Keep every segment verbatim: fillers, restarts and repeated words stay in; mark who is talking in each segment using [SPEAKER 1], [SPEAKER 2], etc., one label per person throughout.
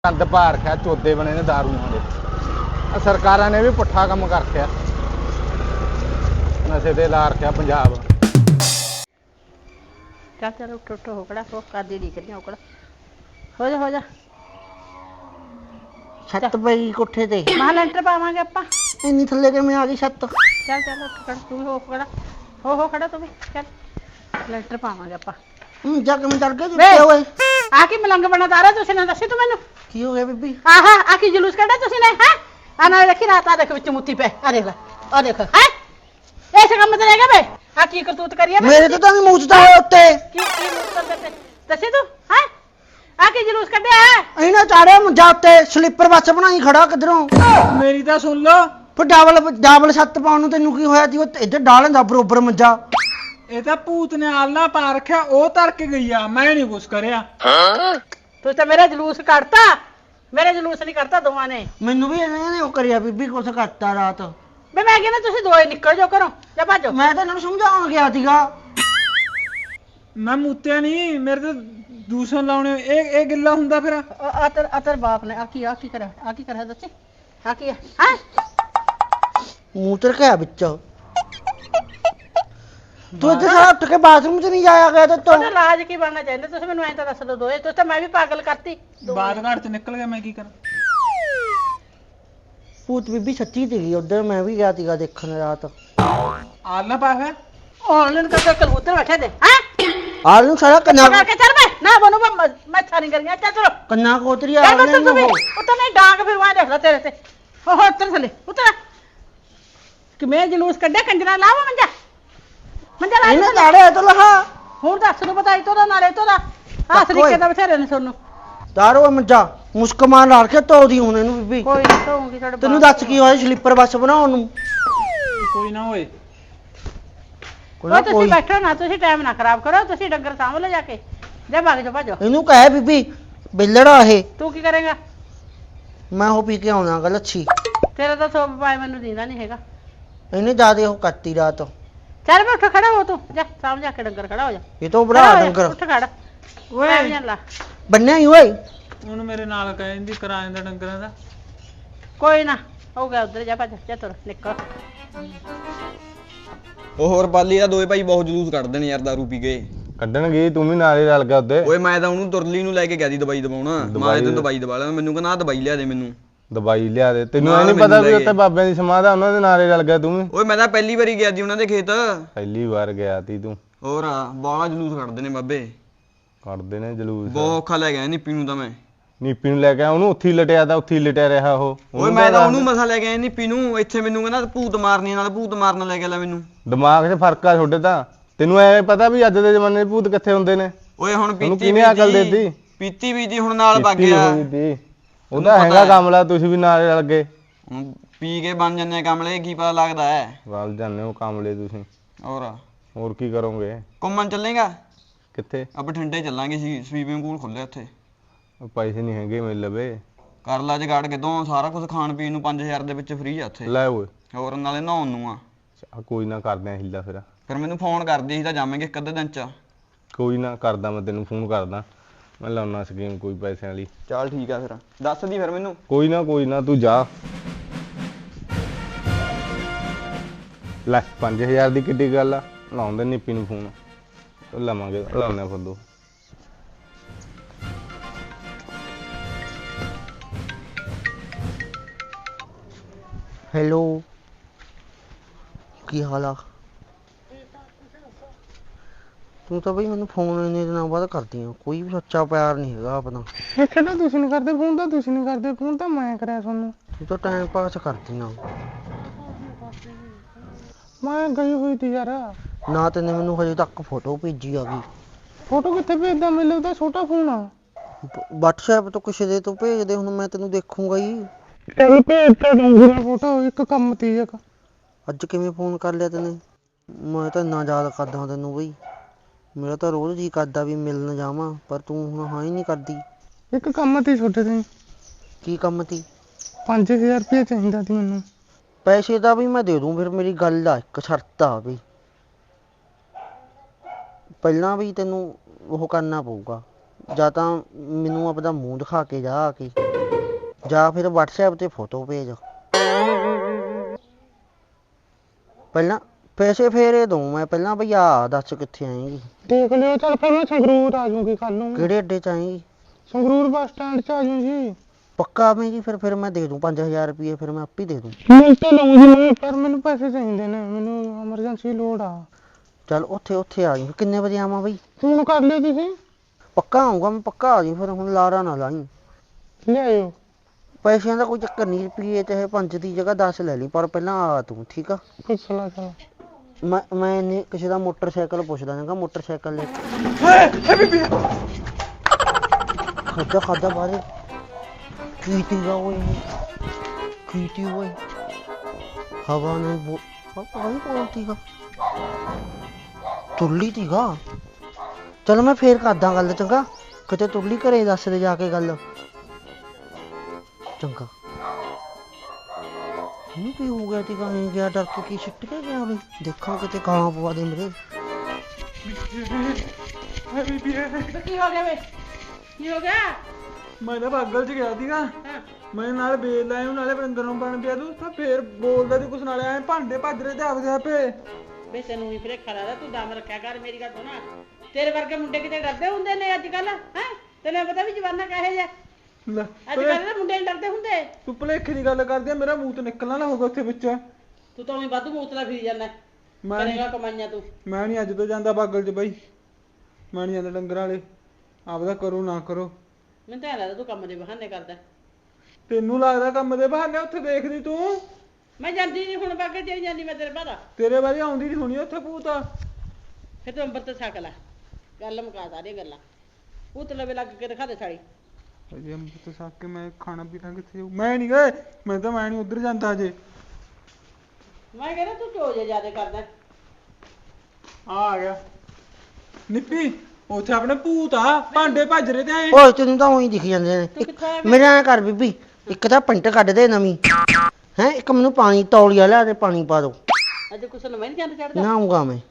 [SPEAKER 1] गंद पा रखा चौधे बने ने दारूआं दे सरकारां ने भी पुट्ठा काम कर रखा नशे ते ला रखा पंजाब।
[SPEAKER 2] चल चल उठ उठ हो खड़ा हो कर दी दिख रही हो खड़ा हो जा हो जा
[SPEAKER 3] छत पई कोठे ते
[SPEAKER 2] महा लेंटर पावांगे आपां
[SPEAKER 3] इन्नी थल्ले किवें आ गई छत।
[SPEAKER 2] चल चल उठ खड़ा तू भी हो खड़ा हो हो खड़ा तू भी चल लेंटर पावांगे आपां
[SPEAKER 3] जा किवें चढ़ गए
[SPEAKER 2] ਵੇ
[SPEAKER 3] जुत्ते ओए
[SPEAKER 2] ਆ ਕੀ ਮਲੰਗ ਬਣਾ ਤਾਰਾ ਤੁਸੀਂ ਨਾ ਦੱਸੀ ਤੂੰ ਮੈਨੂੰ
[SPEAKER 3] की हो गया बीबी?
[SPEAKER 2] ਆਹ ਆ ਕੀ ਜਲੂਸ ਕੱਢਿਆ ਤੁਸੀਂ ਨੇ ਹੈ ਆ ਨਾਲ ਦੇਖੀ ਰਾਤ ਆ ਦੇਖ ਵਿੱਚ ਮੁੱਤੀ ਪੈ ਆ ਦੇਖ ਲੈ ਆ ਦੇਖ ਹੈ ਐਸੇ ਕੰਮ ਤੇ ਰਹਿ ਗਿਆ ਬੇ ਆ ਕੀ ਕਰਤੂਤ ਕਰੀਏ
[SPEAKER 3] मेरे तो तो मूचता है उत्ते
[SPEAKER 2] ਕੀ ਕੀ ਮੁੱਤਲ ਕਰਦੇ ਦੱਸੀ ਤੂੰ ਹੈ ਆ ਕੀ ਜਲੂਸ ਕੱਢਿਆ ਹੈ
[SPEAKER 3] इन्हें चाड़े मुझा उत्ते स्लीपर बस बनाई खड़ा किधरों
[SPEAKER 4] मेरी तो सुन लो
[SPEAKER 3] फिर डबल डबल छत पाउन नूं तेनू की होया सी वो इधर डाल दा बरोबर मंजा
[SPEAKER 4] ये तो भूत ने आलना पा रखा ओ तर के गई आ मैं नहीं कुछ करया
[SPEAKER 2] ਤੂੰ ਤਾਂ ਮੇਰਾ ਜਲੂਸ ਕੱਢਤਾ ਮੇਰੇ ਜਲੂਸ ਨਹੀਂ ਕੱਢਤਾ ਦੋਵਾਂ ਨੇ
[SPEAKER 3] मैनू भी इन्हें ओ करिया बीबी कुछ करता रात
[SPEAKER 2] ਵੇ ਮੈਂ ਕਹਿੰਦਾ ਤੁਸੀਂ ਦੋਏ ਨਿਕਲ ਜਾਓ ਘਰੋਂ ਜਾ ਭੱਜੋ
[SPEAKER 3] मैं तो इन्हां समझाउण गया सीगा
[SPEAKER 4] मैं मुत्या नहीं मेरे तो दूसरे लाने एक एक गिल्ला हुंदा फिर
[SPEAKER 2] ਆ ਤੇਰ ਆ ਤੇਰ ਬਾਪ ਨੇ ਆ ਕੀ ਆ ਕੀ ਕਰਿਆ ਆ ਕੀ ਕਰਿਆ ਦੱਸੀ ਆ ਕੀ ਹੈ ਹੈ
[SPEAKER 3] मुंह ते रखया विच तू इधर सारा उठ के बाथरूम च नहीं जाया गया तो तो
[SPEAKER 2] ਉਹਦਾ ਇਲਾਜ ਕੀ ਬਣਨਾ ਚਾਹੀਦਾ ਤੁਸੀਂ ਮੈਨੂੰ ਐਂ ਤਾਂ ਦੱਸ ਦੋ ਦੋਏ ਤੁਸੀਂ ਤਾਂ ਮੈਂ ਵੀ ਪਾਗਲ ਕਰਤੀ
[SPEAKER 4] बाद घाट से निकल गया मैं की करा
[SPEAKER 3] भूत बीबी सच्ची थी उधर मैं भी गया सीगा देखने रात
[SPEAKER 4] आलना पा है
[SPEAKER 2] ਆਨਲਾਈਨ ਕਰਕੇ ਕਬੂਤਰ ਬੈਠੇ ਦੇ ਹੈ
[SPEAKER 3] आज नूं सारा कन्ना
[SPEAKER 2] ਕਰਕੇ ਚੱਲ ਮੈਂ ਨਾ ਬਣੂ ਮੈਂ ਮੈਂ ਸਾਰੀ ਕਰੀਆਂ ਚੱਲ चलो
[SPEAKER 3] कन्ना कोतरी
[SPEAKER 2] ਚੱਲ
[SPEAKER 3] आ
[SPEAKER 2] ਉੱਤਰ ਤੂੰ ਵੀ ਉੱਤਰ ਨਹੀਂ ਡਾਂਗ ਫਿਰ ਵਾਂ ਦੇਖ ਲੈ ਤੇਰੇ ਤੇ ਹੋ ਹੋ ਉੱਤਰ ਥੱਲੇ ਉੱਤਰ ਕਿਵੇਂ ਜਲੂਸ ਕੱਢਿਆ ਕੰਜਰਾ ਲਾਵਾ ਮੰਜਾ ਮੰਜਾ ਲਾ
[SPEAKER 3] इन्हें चाड़े तो लहा
[SPEAKER 2] ਹੁਣ ਦੱਸ ਨੂੰ ਪਤਾ ਇਤੋਂ ਦਾ ਨਾਲੇ ਇਤੋਂ ਦਾ ਹਾਂ ਤਰੀਕੇ ਦਾ ਬਥੇਰੇ ਨੇ ਤੁਹਾਨੂੰ
[SPEAKER 3] दारो मंजा मुस्क मार ला के तो दी हुन इनु बीबी
[SPEAKER 2] ਕੋਈ ਨਹੀਂ ਧੋਉਂਗੀ ਤੁਹਾਡੇ
[SPEAKER 3] तेनू दस की होया स्लीपर बस बनाउण नूं
[SPEAKER 4] कोई ना होए
[SPEAKER 3] कोई
[SPEAKER 2] ਉਹ
[SPEAKER 3] ना
[SPEAKER 2] ਤੁਸੀਂ
[SPEAKER 3] कोई
[SPEAKER 2] ਬੈਠੋ ਨਾ ਤੁਸੀਂ ਟਾਈਮ ਨਾ ਖਰਾਬ ਕਰੋ ਤੁਸੀਂ ਡੰਗਰ ਸਾਂਭ ਲਓ ਜਾ ਕੇ ਜਾ ਭਾਗ ਜਾ ਭਾਜੋ
[SPEAKER 3] इनु कहे बीबी बिल्लड़ा है
[SPEAKER 2] ਤੂੰ ਕੀ ਕਰੇਗਾ
[SPEAKER 3] मैं हो पी के आउणा गल अच्छी
[SPEAKER 2] ਤੇਰਾ ਤਾਂ ਸੋਪ ਪਾਏ ਮੈਨੂੰ ਦੀਂਦਾ ਨਹੀਂ ਹੈਗਾ
[SPEAKER 3] इन्हें ज्यादा हो करती रात
[SPEAKER 2] ਚੱਲ ਬੈ ਉੱਠ ਖੜਾ ਹੋ ਤੂੰ ਜਾ ਸਾਂਭ ਜਾ ਕੇ ਡੰਗਰ ਖੜਾ ਹੋ ਜਾ
[SPEAKER 3] ये तो बड़ा
[SPEAKER 2] ਖੜਾ ਹੋ ਜਾ,
[SPEAKER 3] डंगर
[SPEAKER 2] ਉੱਠ ਖੜਾ ਓਏ ਵੀ ਲਾ
[SPEAKER 3] बन्ने ही ओए
[SPEAKER 4] ਉਹਨੂੰ ਮੇਰੇ ਨਾਲ ਕਹਿੰਦੀ ਕਰਾ ਦਿੰਦਾ ਡੰਗਰਾਂ ਦਾ
[SPEAKER 2] ਕੋਈ ਨਾ ਹੋ ਗਿਆ ਉਧਰ ਜਾ ਭੱਜ ਜਾ ਤੁਰ ਨਿਕਲ
[SPEAKER 5] ਉਹ ਹੋਰ ਪਾਲੀ ਦਾ ਦੋਏ ਭਾਈ ਬਹੁਤ ਜਲੂਸ ਕੱਢਦੇ ਨੇ ਯਾਰ ਦਾਰੂ ਪੀ ਕੇ
[SPEAKER 1] ਕੱਢਣਗੇ ਤੂੰ ਵੀ ਨਾਲੇ ਰਲ ਗਿਆ ਉੱਤੇ
[SPEAKER 5] ਓਏ ਮੈਂ ਤਾਂ ਉਹਨੂੰ ਤੁਰਲੀ ਨੂੰ ਲੈ ਕੇ ਗਿਆ ਸੀ ਦਵਾਈ ਦਵਾਉਣਾ ਮਾਂ ਤੈਨੂੰ ਦਵਾਈ ਦਵਾ ਲਿਆ ਮੈਨੂੰ ਕਹਿੰਦਾ ਆਹ ਦਵਾਈ ਲਿਆ ਦੇ ਮੈਨੂੰ
[SPEAKER 1] ਦਵਾਈ ਲਿਆ ਦੇ ਤੈਨੂੰ ਐ
[SPEAKER 5] ਨਾਲ
[SPEAKER 1] ਨਹੀਂ ਪਤਾ
[SPEAKER 5] ਮੈਨੂੰ
[SPEAKER 1] ਵੀ
[SPEAKER 5] ਲੈ
[SPEAKER 1] ਉੱਤੇ
[SPEAKER 5] ਗਏ।
[SPEAKER 1] ਬਾਬਿਆਂ ਦੀ ਸਮਾਧ ਆ ਉਹਨਾਂ ਦੇ ਨਾਲੇ ਰਲ ਗਿਆ ਤੂੰ ਵੀ
[SPEAKER 5] ਓਏ ਮੈਂ ਤਾਂ ਪਹਿਲੀ ਵਾਰੀ ਗਿਆ ਸੀ ਉਹਨਾਂ ਦੇ ਖੇਤ
[SPEAKER 1] ਪਹਿਲੀ ਵਾਰ ਗਿਆ ਤੀ ਤੂੰ
[SPEAKER 5] ਹੋਰ ਬਾਲਾ ਜਲੂਸ ਕੱਢਦੇ ਨੇ ਬਾਬੇ
[SPEAKER 1] ਕੱਢਦੇ ਨੇ ਜਲੂਸ
[SPEAKER 5] ਬਹੁਤ ਔਖਾ ਲੈ ਗਿਆ ਨਿੱਪੀ ਨੂੰ ਤਾਂ ਮੈਂ
[SPEAKER 1] ਨੀਪੀ ਨੂੰ ਲੈ ਕੇ ਆਇਆ, ਉਹਨੂੰ ਉੱਥੇ ਹੀ ਲਟਿਆ ਤਾਂ ਉੱਥੇ ਹੀ ਲਟਿਆ ਰਿਹਾ ਉਹ
[SPEAKER 5] ਓਏ ਮੈਂ ਤਾਂ ਉਹਨੂੰ ਮਸਾ ਲੈ ਕੇ ਆਇਆ ਨਿੱਪੀ ਨੂੰ ਇੱਥੇ ਮੈਨੂੰ ਕਹਿੰਦਾ ਭੂਤ ਮਾਰਨੀ ਨਾਲ ਭੂਤ ਮਾਰਨ ਲੈ ਕੇ ਲੈ ਮੈਨੂੰ
[SPEAKER 1] ਦਿਮਾਗ 'ਚ ਫਰਕ ਆ ਤੁਹਾਡੇ ਤਾਂ ਤੈਨੂੰ ਐ ਪਤਾ ਵੀ ਅੱਜ ਦੇ ਜ਼ਮਾਨੇ 'ਚ ਭੂਤ ਕਿੱਥੇ ਹੁੰਦੇ ਨੇ
[SPEAKER 5] ਓਏ ਹੁਣ
[SPEAKER 1] ਉਹਨੂੰ
[SPEAKER 5] ਪੀਤੀ
[SPEAKER 1] ਕਿਹਨੇ ਅਕਲ ਦੇਤੀ
[SPEAKER 5] ਪੀਤੀ ਵੀ ਦੀ ਹੁਣ ਨਾਲ ਵਗ
[SPEAKER 1] ਪੀਤੀ
[SPEAKER 5] ਗਿਆ
[SPEAKER 1] ਹੋਈ ਤੀ। ਉਹਦਾ ਹੈਗਾ ਕਾਮਲਾ ਤੁਸੀਂ ਵੀ ਨਾਲੇ ਰਲ ਗਏ
[SPEAKER 5] ਹੁਣ ਪੀ ਕੇ ਬਣ ਜੰਨੇ ਆ ਕਮਲੇ ਕੀ ਪਤਾ ਲੱਗਦਾ ਹੈ
[SPEAKER 1] ਰਲ ਜਾਂਦੇ ਹੋ ਕਾਮਲੇ ਤੁਸੀਂ
[SPEAKER 5] ਹੋਰ
[SPEAKER 1] ਹੋਰ ਕੀ ਕਰੋਗੇ
[SPEAKER 5] ਘੁੰਮਣ ਚੱਲੇਗਾ
[SPEAKER 1] ਕਿੱਥੇ
[SPEAKER 5] ਆ ਬਠਿੰਡੇ ਚੱਲਾਂਗੇ ਸੀ ਸਵੀਮਿੰਗ ਪੂਲ ਖੁੱਲਿਆ ਉੱਥੇ
[SPEAKER 1] ਉਹ ਪੈਸੇ ਨਹੀਂ ਹੈਗੇ ਮੇਰੇ ਲਵੇ
[SPEAKER 5] ਕਰ ਲਾ ਜਗਾੜ ਕਿਦੋਂ ਸਾਰਾ ਕੁਝ ਖਾਣ ਪੀਣ ਨੂੰ ਪੰਜ ਹਜ਼ਾਰ ਦੇ ਵਿੱਚ ਫ੍ਰੀ ਆ ਉੱਥੇ
[SPEAKER 1] ਲੈ ਓਏ
[SPEAKER 5] ਹੋਰ ਨਾਲੇ ਨਹਾਉਣ ਨੂੰ ਆ
[SPEAKER 1] ਆ ਕੋਈ ਨਾ ਕਰਦੇ ਆ ਹਿੱਲਾ ਫਿਰ
[SPEAKER 5] ਫਿਰ ਮੈਨੂੰ ਫੋਨ ਕਰਦੀ ਸੀ ਤਾਂ ਜਾਵਾਂਗੇ ਇੱਕ ਅੱਧੇ ਦਿਨ ਚ
[SPEAKER 1] ਕੋਈ ਨਾ ਕਰਦਾ ਮੈਂ ਤੈਨੂੰ ਫੋਨ ਕਰਦਾ ਮੈਂ ਲਾਉਣਾ ਸਕੀਮ ਕੋਈ ਪੈਸਿਆਂ ਵਾਲੀ
[SPEAKER 5] ਚੱਲ ਠੀਕ ਆ ਫਿਰ ਦੱਸ ਦੀ ਫਿਰ ਮੈਨੂੰ
[SPEAKER 1] ਕੋਈ ਨਾ ਕੋਈ ਨਾ ਤੂੰ ਜਾ ਲੈ ਪੰਜ ਹਜ਼ਾਰ ਦੀ ਕਿੱਡੀ ਗੱਲ ਆ ਲਾਉਂਦੇ ਨਿੱਪੀ ਨੂੰ ਫੋਨ ਲਵਾਂਗੇ ਲਾਉਣੇ ਫੱਦੂ
[SPEAKER 3] हेलो की हाल आ तू तो बई मैंने फोन इन्ने दिनों बाद करती है कोई भी सच्चा प्यार नहीं है अपना
[SPEAKER 4] ਇੱਥੇ ਤਾਂ ਤੁਸੀਂ ਨਹੀਂ ਕਰਦੇ ਫੋਨ ਤਾਂ ਤੁਸੀਂ ਨਹੀਂ ਕਰਦੇ ਫੋਨ ਤਾਂ ਮੈਂ ਕਰਿਆ ਤੁਹਾਨੂੰ
[SPEAKER 3] तू तो टाइम पास करती है
[SPEAKER 4] ਮੈਂ ਗਈ ਹੋਈ ਤੀ ਯਾਰ
[SPEAKER 3] ना तेने मैनू हजे तक फोटो भेजी आ गई
[SPEAKER 4] ਫੋਟੋ ਕਿੱਥੇ ਭੇਜਦਾ ਮੇਰੇ ਤਾਂ ਛੋਟਾ ਫੋਨ ਆ
[SPEAKER 3] WhatsApp तो किसी दे तो भेज दे हुण मैं तेनू देखूंगा ही
[SPEAKER 4] ਚੱਲ ਭੇਜ ਤਾਂ ਡੰਗਰਾ ਫੋਟੋ ਇੱਕ ਕੰਮ ਤੀ ਇੱਕ
[SPEAKER 3] ਅੱਜ ਕਿਵੇਂ ਫੋਨ ਕਰ ਲਿਆ ਤੈਨੇ ਮੈਂ ਤਾਂ ਇੰਨਾ ਯਾਦ ਕਰਦਾ ਤੈਨੂੰ ਬਈ ਮੇਰਾ ਤਾਂ ਰੋਜ਼ ਜੀ ਕਰਦਾ ਵੀ ਮਿਲਣ ਜਾਵਾਂ ਪਰ ਤੂੰ ਹੁਣ ਹਾਂ ਹੀ ਨਹੀਂ ਕਰਦੀ
[SPEAKER 4] ਇੱਕ ਕੰਮ ਤੀ ਛੋਟੇ ਤੇ
[SPEAKER 3] ਕੀ ਕੰਮ ਤੀ
[SPEAKER 4] ਪੰਜ ਹਜ਼ਾਰ ਰੁਪਏ ਚਾਹੀਦਾ ਸੀ ਮੈਨੂੰ
[SPEAKER 3] ਪੈਸੇ ਦਾ ਵੀ ਮੈਂ ਦੇ ਦੂੰ ਫਿਰ ਮੇਰੀ ਗੱਲ ਆ ਇੱਕ ਸ਼ਰਤ ਆ ਵੀ ਪਹਿਲਾਂ ਵੀ ਤੈਨੂੰ ਉਹ ਕਰਨਾ ਪਊਗਾ ਜਾਂ ਤਾਂ ਮੈਨੂੰ ਆਪਦਾ ਮੂੰਹ ਦਿਖਾ ਕੇ ਜਾ ਆ ਕੇ ਜਾਂ ਫਿਰ WhatsApp ਤੇ ਫੋਟੋ ਭੇਜ। ਪਹਿਲਾਂ ਪੈਸੇ ਫੇਰੇ ਦਊਂ ਮੈਂ, ਪਹਿਲਾਂ ਬਈ ਆ ਦੱਸ ਕਿੱਥੇ ਆਏਂਗੀ?
[SPEAKER 6] ਦੇਖ ਲਿਓ, ਚੱਲ ਫਿਰ ਮੈਂ ਸੰਗਰੂਰ ਆ ਜਾਊਂਗੀ ਕੱਲ ਨੂੰ।
[SPEAKER 3] ਕਿਹੜੇ ਅੱਡੇ ਚ ਆਏਂਗੀ?
[SPEAKER 6] ਸੰਗਰੂਰ ਬੱਸ ਸਟੈਂਡ 'ਚ ਆ ਜਾਊਂ ਜੀ।
[SPEAKER 3] ਪੱਕਾ ਆਵੇਂਗੀ? ਫਿਰ ਫਿਰ ਮੈਂ ਦੇ ਦੂੰ ਪੰਜ ਹਜ਼ਾਰ ਰੁਪਏ, ਫਿਰ ਮੈਂ ਆਪੇ ਦੇ ਦੂੰ।
[SPEAKER 6] ਮਿਲ ਤਾਂ ਲਊਂ ਜੀ ਮੈਂ, ਪਰ ਮੈਨੂੰ ਪੈਸੇ ਚਾਹੀਦੇ ਨੇ, ਮੈਨੂੰ ਐਮਰਜੈਂਸੀ ਲੋੜ ਆ।
[SPEAKER 3] ਚੱਲ ਉੱਥੇ ਉੱਥੇ ਆ ਜਾਈਂ। ਕਿੰਨੇ ਵਜੇ ਆਵਾਂ ਬਈ?
[SPEAKER 6] ਫੋਨ ਕਰ ਲਿਓ ਤੁਸੀਂ।
[SPEAKER 3] ਪੱਕਾ ਆਊਂਗਾ ਮੈਂ, ਪੱਕਾ ਆ ਜਾਈਂ। ਫਿਰ ਹੁਣ ਲਾਰਾ ਨਾ ਲਾਈਂ।
[SPEAKER 6] ਲਿਆਇਓ।
[SPEAKER 3] ਪੈਸਿਆਂ ਦਾ ਕੋਈ ਚੱਕਰ ਨਹੀਂ, ਰੁਪਈਏ ਚਾਹੇ ਪੰਜ ਦੀ ਜਗ੍ਹਾ ਦਸ ਲੈ ਲਈ, ਪਰ ਪਹਿਲਾਂ ਆ ਤੂੰ, ਠੀਕ ਆ?
[SPEAKER 6] ਪੁੱਛ ਲਾ ਚੱਲ।
[SPEAKER 3] ਮੈਂ ਮੈਂ ਇੰਨੇ ਕਿਸੇ ਦਾ ਮੋਟਰਸਾਈਕਲ ਪੁੱਛਦਾ ਜਾਂਗਾ, ਮੋਟਰਸਾਈਕਲ ਲੈ ਕੇ। ਖਾਦਾ ਖਾਦਾ ਬਾਰੇ ਕੀ ਤੀਗਾ ਓਏ, ਕੀ ਤੀ ਓਏ, ਹਵਾ ਨੇ ਬੋ ਹਵਾ ਹੀ ਕੋਲ ਤੀਗਾ, ਤੁਰਲੀ ਤੀਗਾ। ਚਲ ਮੈਂ ਫੇਰ ਕਰਦਾ ਗੱਲ, ਚੰਗਾ? ਕਿਤੇ ਤੁਰਲੀ ਘਰੇ ਦੱਸ ਦੇ ਜਾ ਕੇ ਗੱਲ, ਚੰਗਾ? ਇਹਨੂੰ ਕੀ ਹੋ ਗਿਆ ਤੀਗਾ? ਨਹੀਂ ਗਿਆ ਡਰ ਕੇ, ਕੀ ਸਿੱਟ ਕੇ ਗਿਆ ਉਹਨੇ? ਦੇਖਾਂ ਕਿਤੇ ਕਾਂ ਪਵਾ ਦੇ ਮੇਰੇ।
[SPEAKER 2] ਕੀ ਹੋ ਗਿਆ ਵੇ? ਕੀ ਹੋ ਗਿਆ?
[SPEAKER 4] ਮੈਂ ਤਾਂ ਬਾਗਲ ਚ ਗਿਆ ਸੀਗਾ,
[SPEAKER 2] ਹਾਂ
[SPEAKER 4] ਮੈਂ ਨਾਲ ਬੇਲ ਲਾਇਆ ਨੂੰ, ਨਾਲੇ ਵਰਿੰਦਰ ਨੂੰ ਬਣ ਪਿਆ ਤੂੰ ਤਾਂ ਫੇਰ ਬੋਲਦਾ ਸੀ ਕੁਛ, ਨਾਲੇ ਐ ਭਾਂਡੇ ਭੱਜ ਰਹੇ ਤੇ ਆਪਦੇ ਆਪੇ।
[SPEAKER 2] ਵੇ ਤੈਨੂੰ ਵੀ ਫਿਰੇ ਖੜਾ ਦਾ, ਤੂੰ ਦਮ ਰੱਖਿਆ ਕਰ, ਮੇਰੀ ਗੱਲ ਸੁਣਾ। ਤੇਰੇ ਵਰਗੇ ਮੁੰਡੇ ਕਿਤੇ ਡਰਦੇ ਹੁੰਦੇ ਨੇ ਅੱਜ ਕੱਲ? ਹੈ ਤੈਨੂੰ ਪਤਾ ਵੀ ਜਵਾਨਾ ਕਹੇ ਜਾ
[SPEAKER 4] ਲੈ
[SPEAKER 2] ਅੱਜ ਕੱਲ ਦੇ ਮੁੰਡੇ ਨੀ ਡਰਦੇ ਹੁੰਦੇ।
[SPEAKER 4] ਤੂੰ ਭੁਲੇਖੇ ਦੀ ਗੱਲ ਕਰਦੀ ਆ, ਮੇਰਾ ਮੂੰਹ ਤੋਂ ਨਿਕਲਣਾ ਨਾ ਹੋਗਾ ਉੱਥੇ ਵਿੱਚ।
[SPEAKER 2] ਤੂੰ ਤਾਂ ਉਹੀ ਵਾਧੂ ਮੂਤਲਾ ਫਿਰੀ ਜਾਂਦਾ,
[SPEAKER 4] ਮੈਂ
[SPEAKER 2] ਕਰੇਗਾ ਕਮਾਈਆਂ ਤੂੰ।
[SPEAKER 4] ਮੈਂ ਨਹੀਂ ਅੱਜ ਤੋਂ ਜਾਂਦਾ ਬਾਗਲ ਚ ਬਾਈ, ਮੈਂ ਨਹੀਂ ਜਾਂਦਾ ਡੰਗਰਾਂ ਵਾਲੇ, ਆਪਦਾ ਕਰੋ ਨਾ ਕਰੋ।
[SPEAKER 2] ਮੈਨੂੰ ਤਾਂ ਐਂ ਲੱਗਦਾ ਤੂੰ ਕੰਮ ਦੇ ਬਹਾਨੇ ਕਰਦਾ।
[SPEAKER 4] ਤੈਨੂੰ ਲੱਗਦਾ ਕੰਮ ਦੇ ਬਹਾਨੇ? ਉੱਥੇ ਦੇਖਦੀ ਤੂੰ,
[SPEAKER 2] ਮੈਂ ਜਾਂਦੀ ਨਹੀਂ ਹੁਣ, ਬਾਗੇ ਚਲੀ ਜਾਂਦੀ ਮੈਂ ਤੇਰੇ ਬਾਹਰ।
[SPEAKER 4] ਤੇਰੇ ਵਾਰੀ ਆਉਂਦੀ ਨਹੀਂ ਹੋਣੀ ਉੱਥੇ ਭੂਤ।
[SPEAKER 2] ਫਿਰ ਤੂੰ ਅੰਬਰ ਤੇ ਛਕ ਲੈ, ਗੱਲ ਮੁਕਾ ਸਾਰੀਆਂ ਗੱਲਾਂ। ਭੂਤ ਲਵੇ ਲੱਗ ਕੇ ਦਿਖਾ ਦੇ ਸਾੜੀ।
[SPEAKER 4] ਅਜੇ ਅੰਮ੍ਰਿਤ ਛਕ ਕੇ ਮੈਂ ਖਾਣਾ ਪੀਣਾ ਕਿੱਥੇ ਜਾਊ? ਮੈਂ ਨਹੀਂ ਗਏ, ਮੈਂ ਤਾਂ ਮੈਂ ਨਹੀਂ ਉੱਧਰ ਜਾਂਦਾ ਅਜੇ।
[SPEAKER 2] ਮੈਂ ਕਹਿੰਦਾ ਤੂੰ ਚੋ ਜੇ ਜ਼ਿਆਦਾ ਕਰਦਾ।
[SPEAKER 4] ਆ ਆ ਗਿਆ ਨਿੱਪੀ, ਉੱਥੇ ਆਪਣੇ ਭੂਤ ਆ, ਭਾਂਡੇ ਭੱਜ ਰਹੇ ਤੇ ਐ।
[SPEAKER 3] ਓਏ ਤੈਨੂੰ ਤਾਂ ਉਹੀ ਦਿਖ ਜਾਂਦੇ ਨੇ।
[SPEAKER 2] ਤੂੰ ਕਿੱਥੇ ਆਇਆ?
[SPEAKER 3] ਮੇਰੇ ਐਂ ਕਰ ਬੀਬੀ, ਇੱਕ ਤਾਂ ਪੈਂਟ ਕੱਢ ਦੇ ਨਵੀਂ, ਹੈ ਇੱਕ ਮੈਨੂੰ ਪਾਣੀ ਤੌਲੀਆ ਲਿਆ ਤੇ ਪਾਣੀ ਪਾ ਦੋ।
[SPEAKER 2] ਅੱਜ ਕੁਛ ਨਵਾਂ ਨਹੀਂ ਚੰਦ ਚੜਦਾ।
[SPEAKER 3] ਨਾ ਆਊਂਗਾ ਮੈਂ,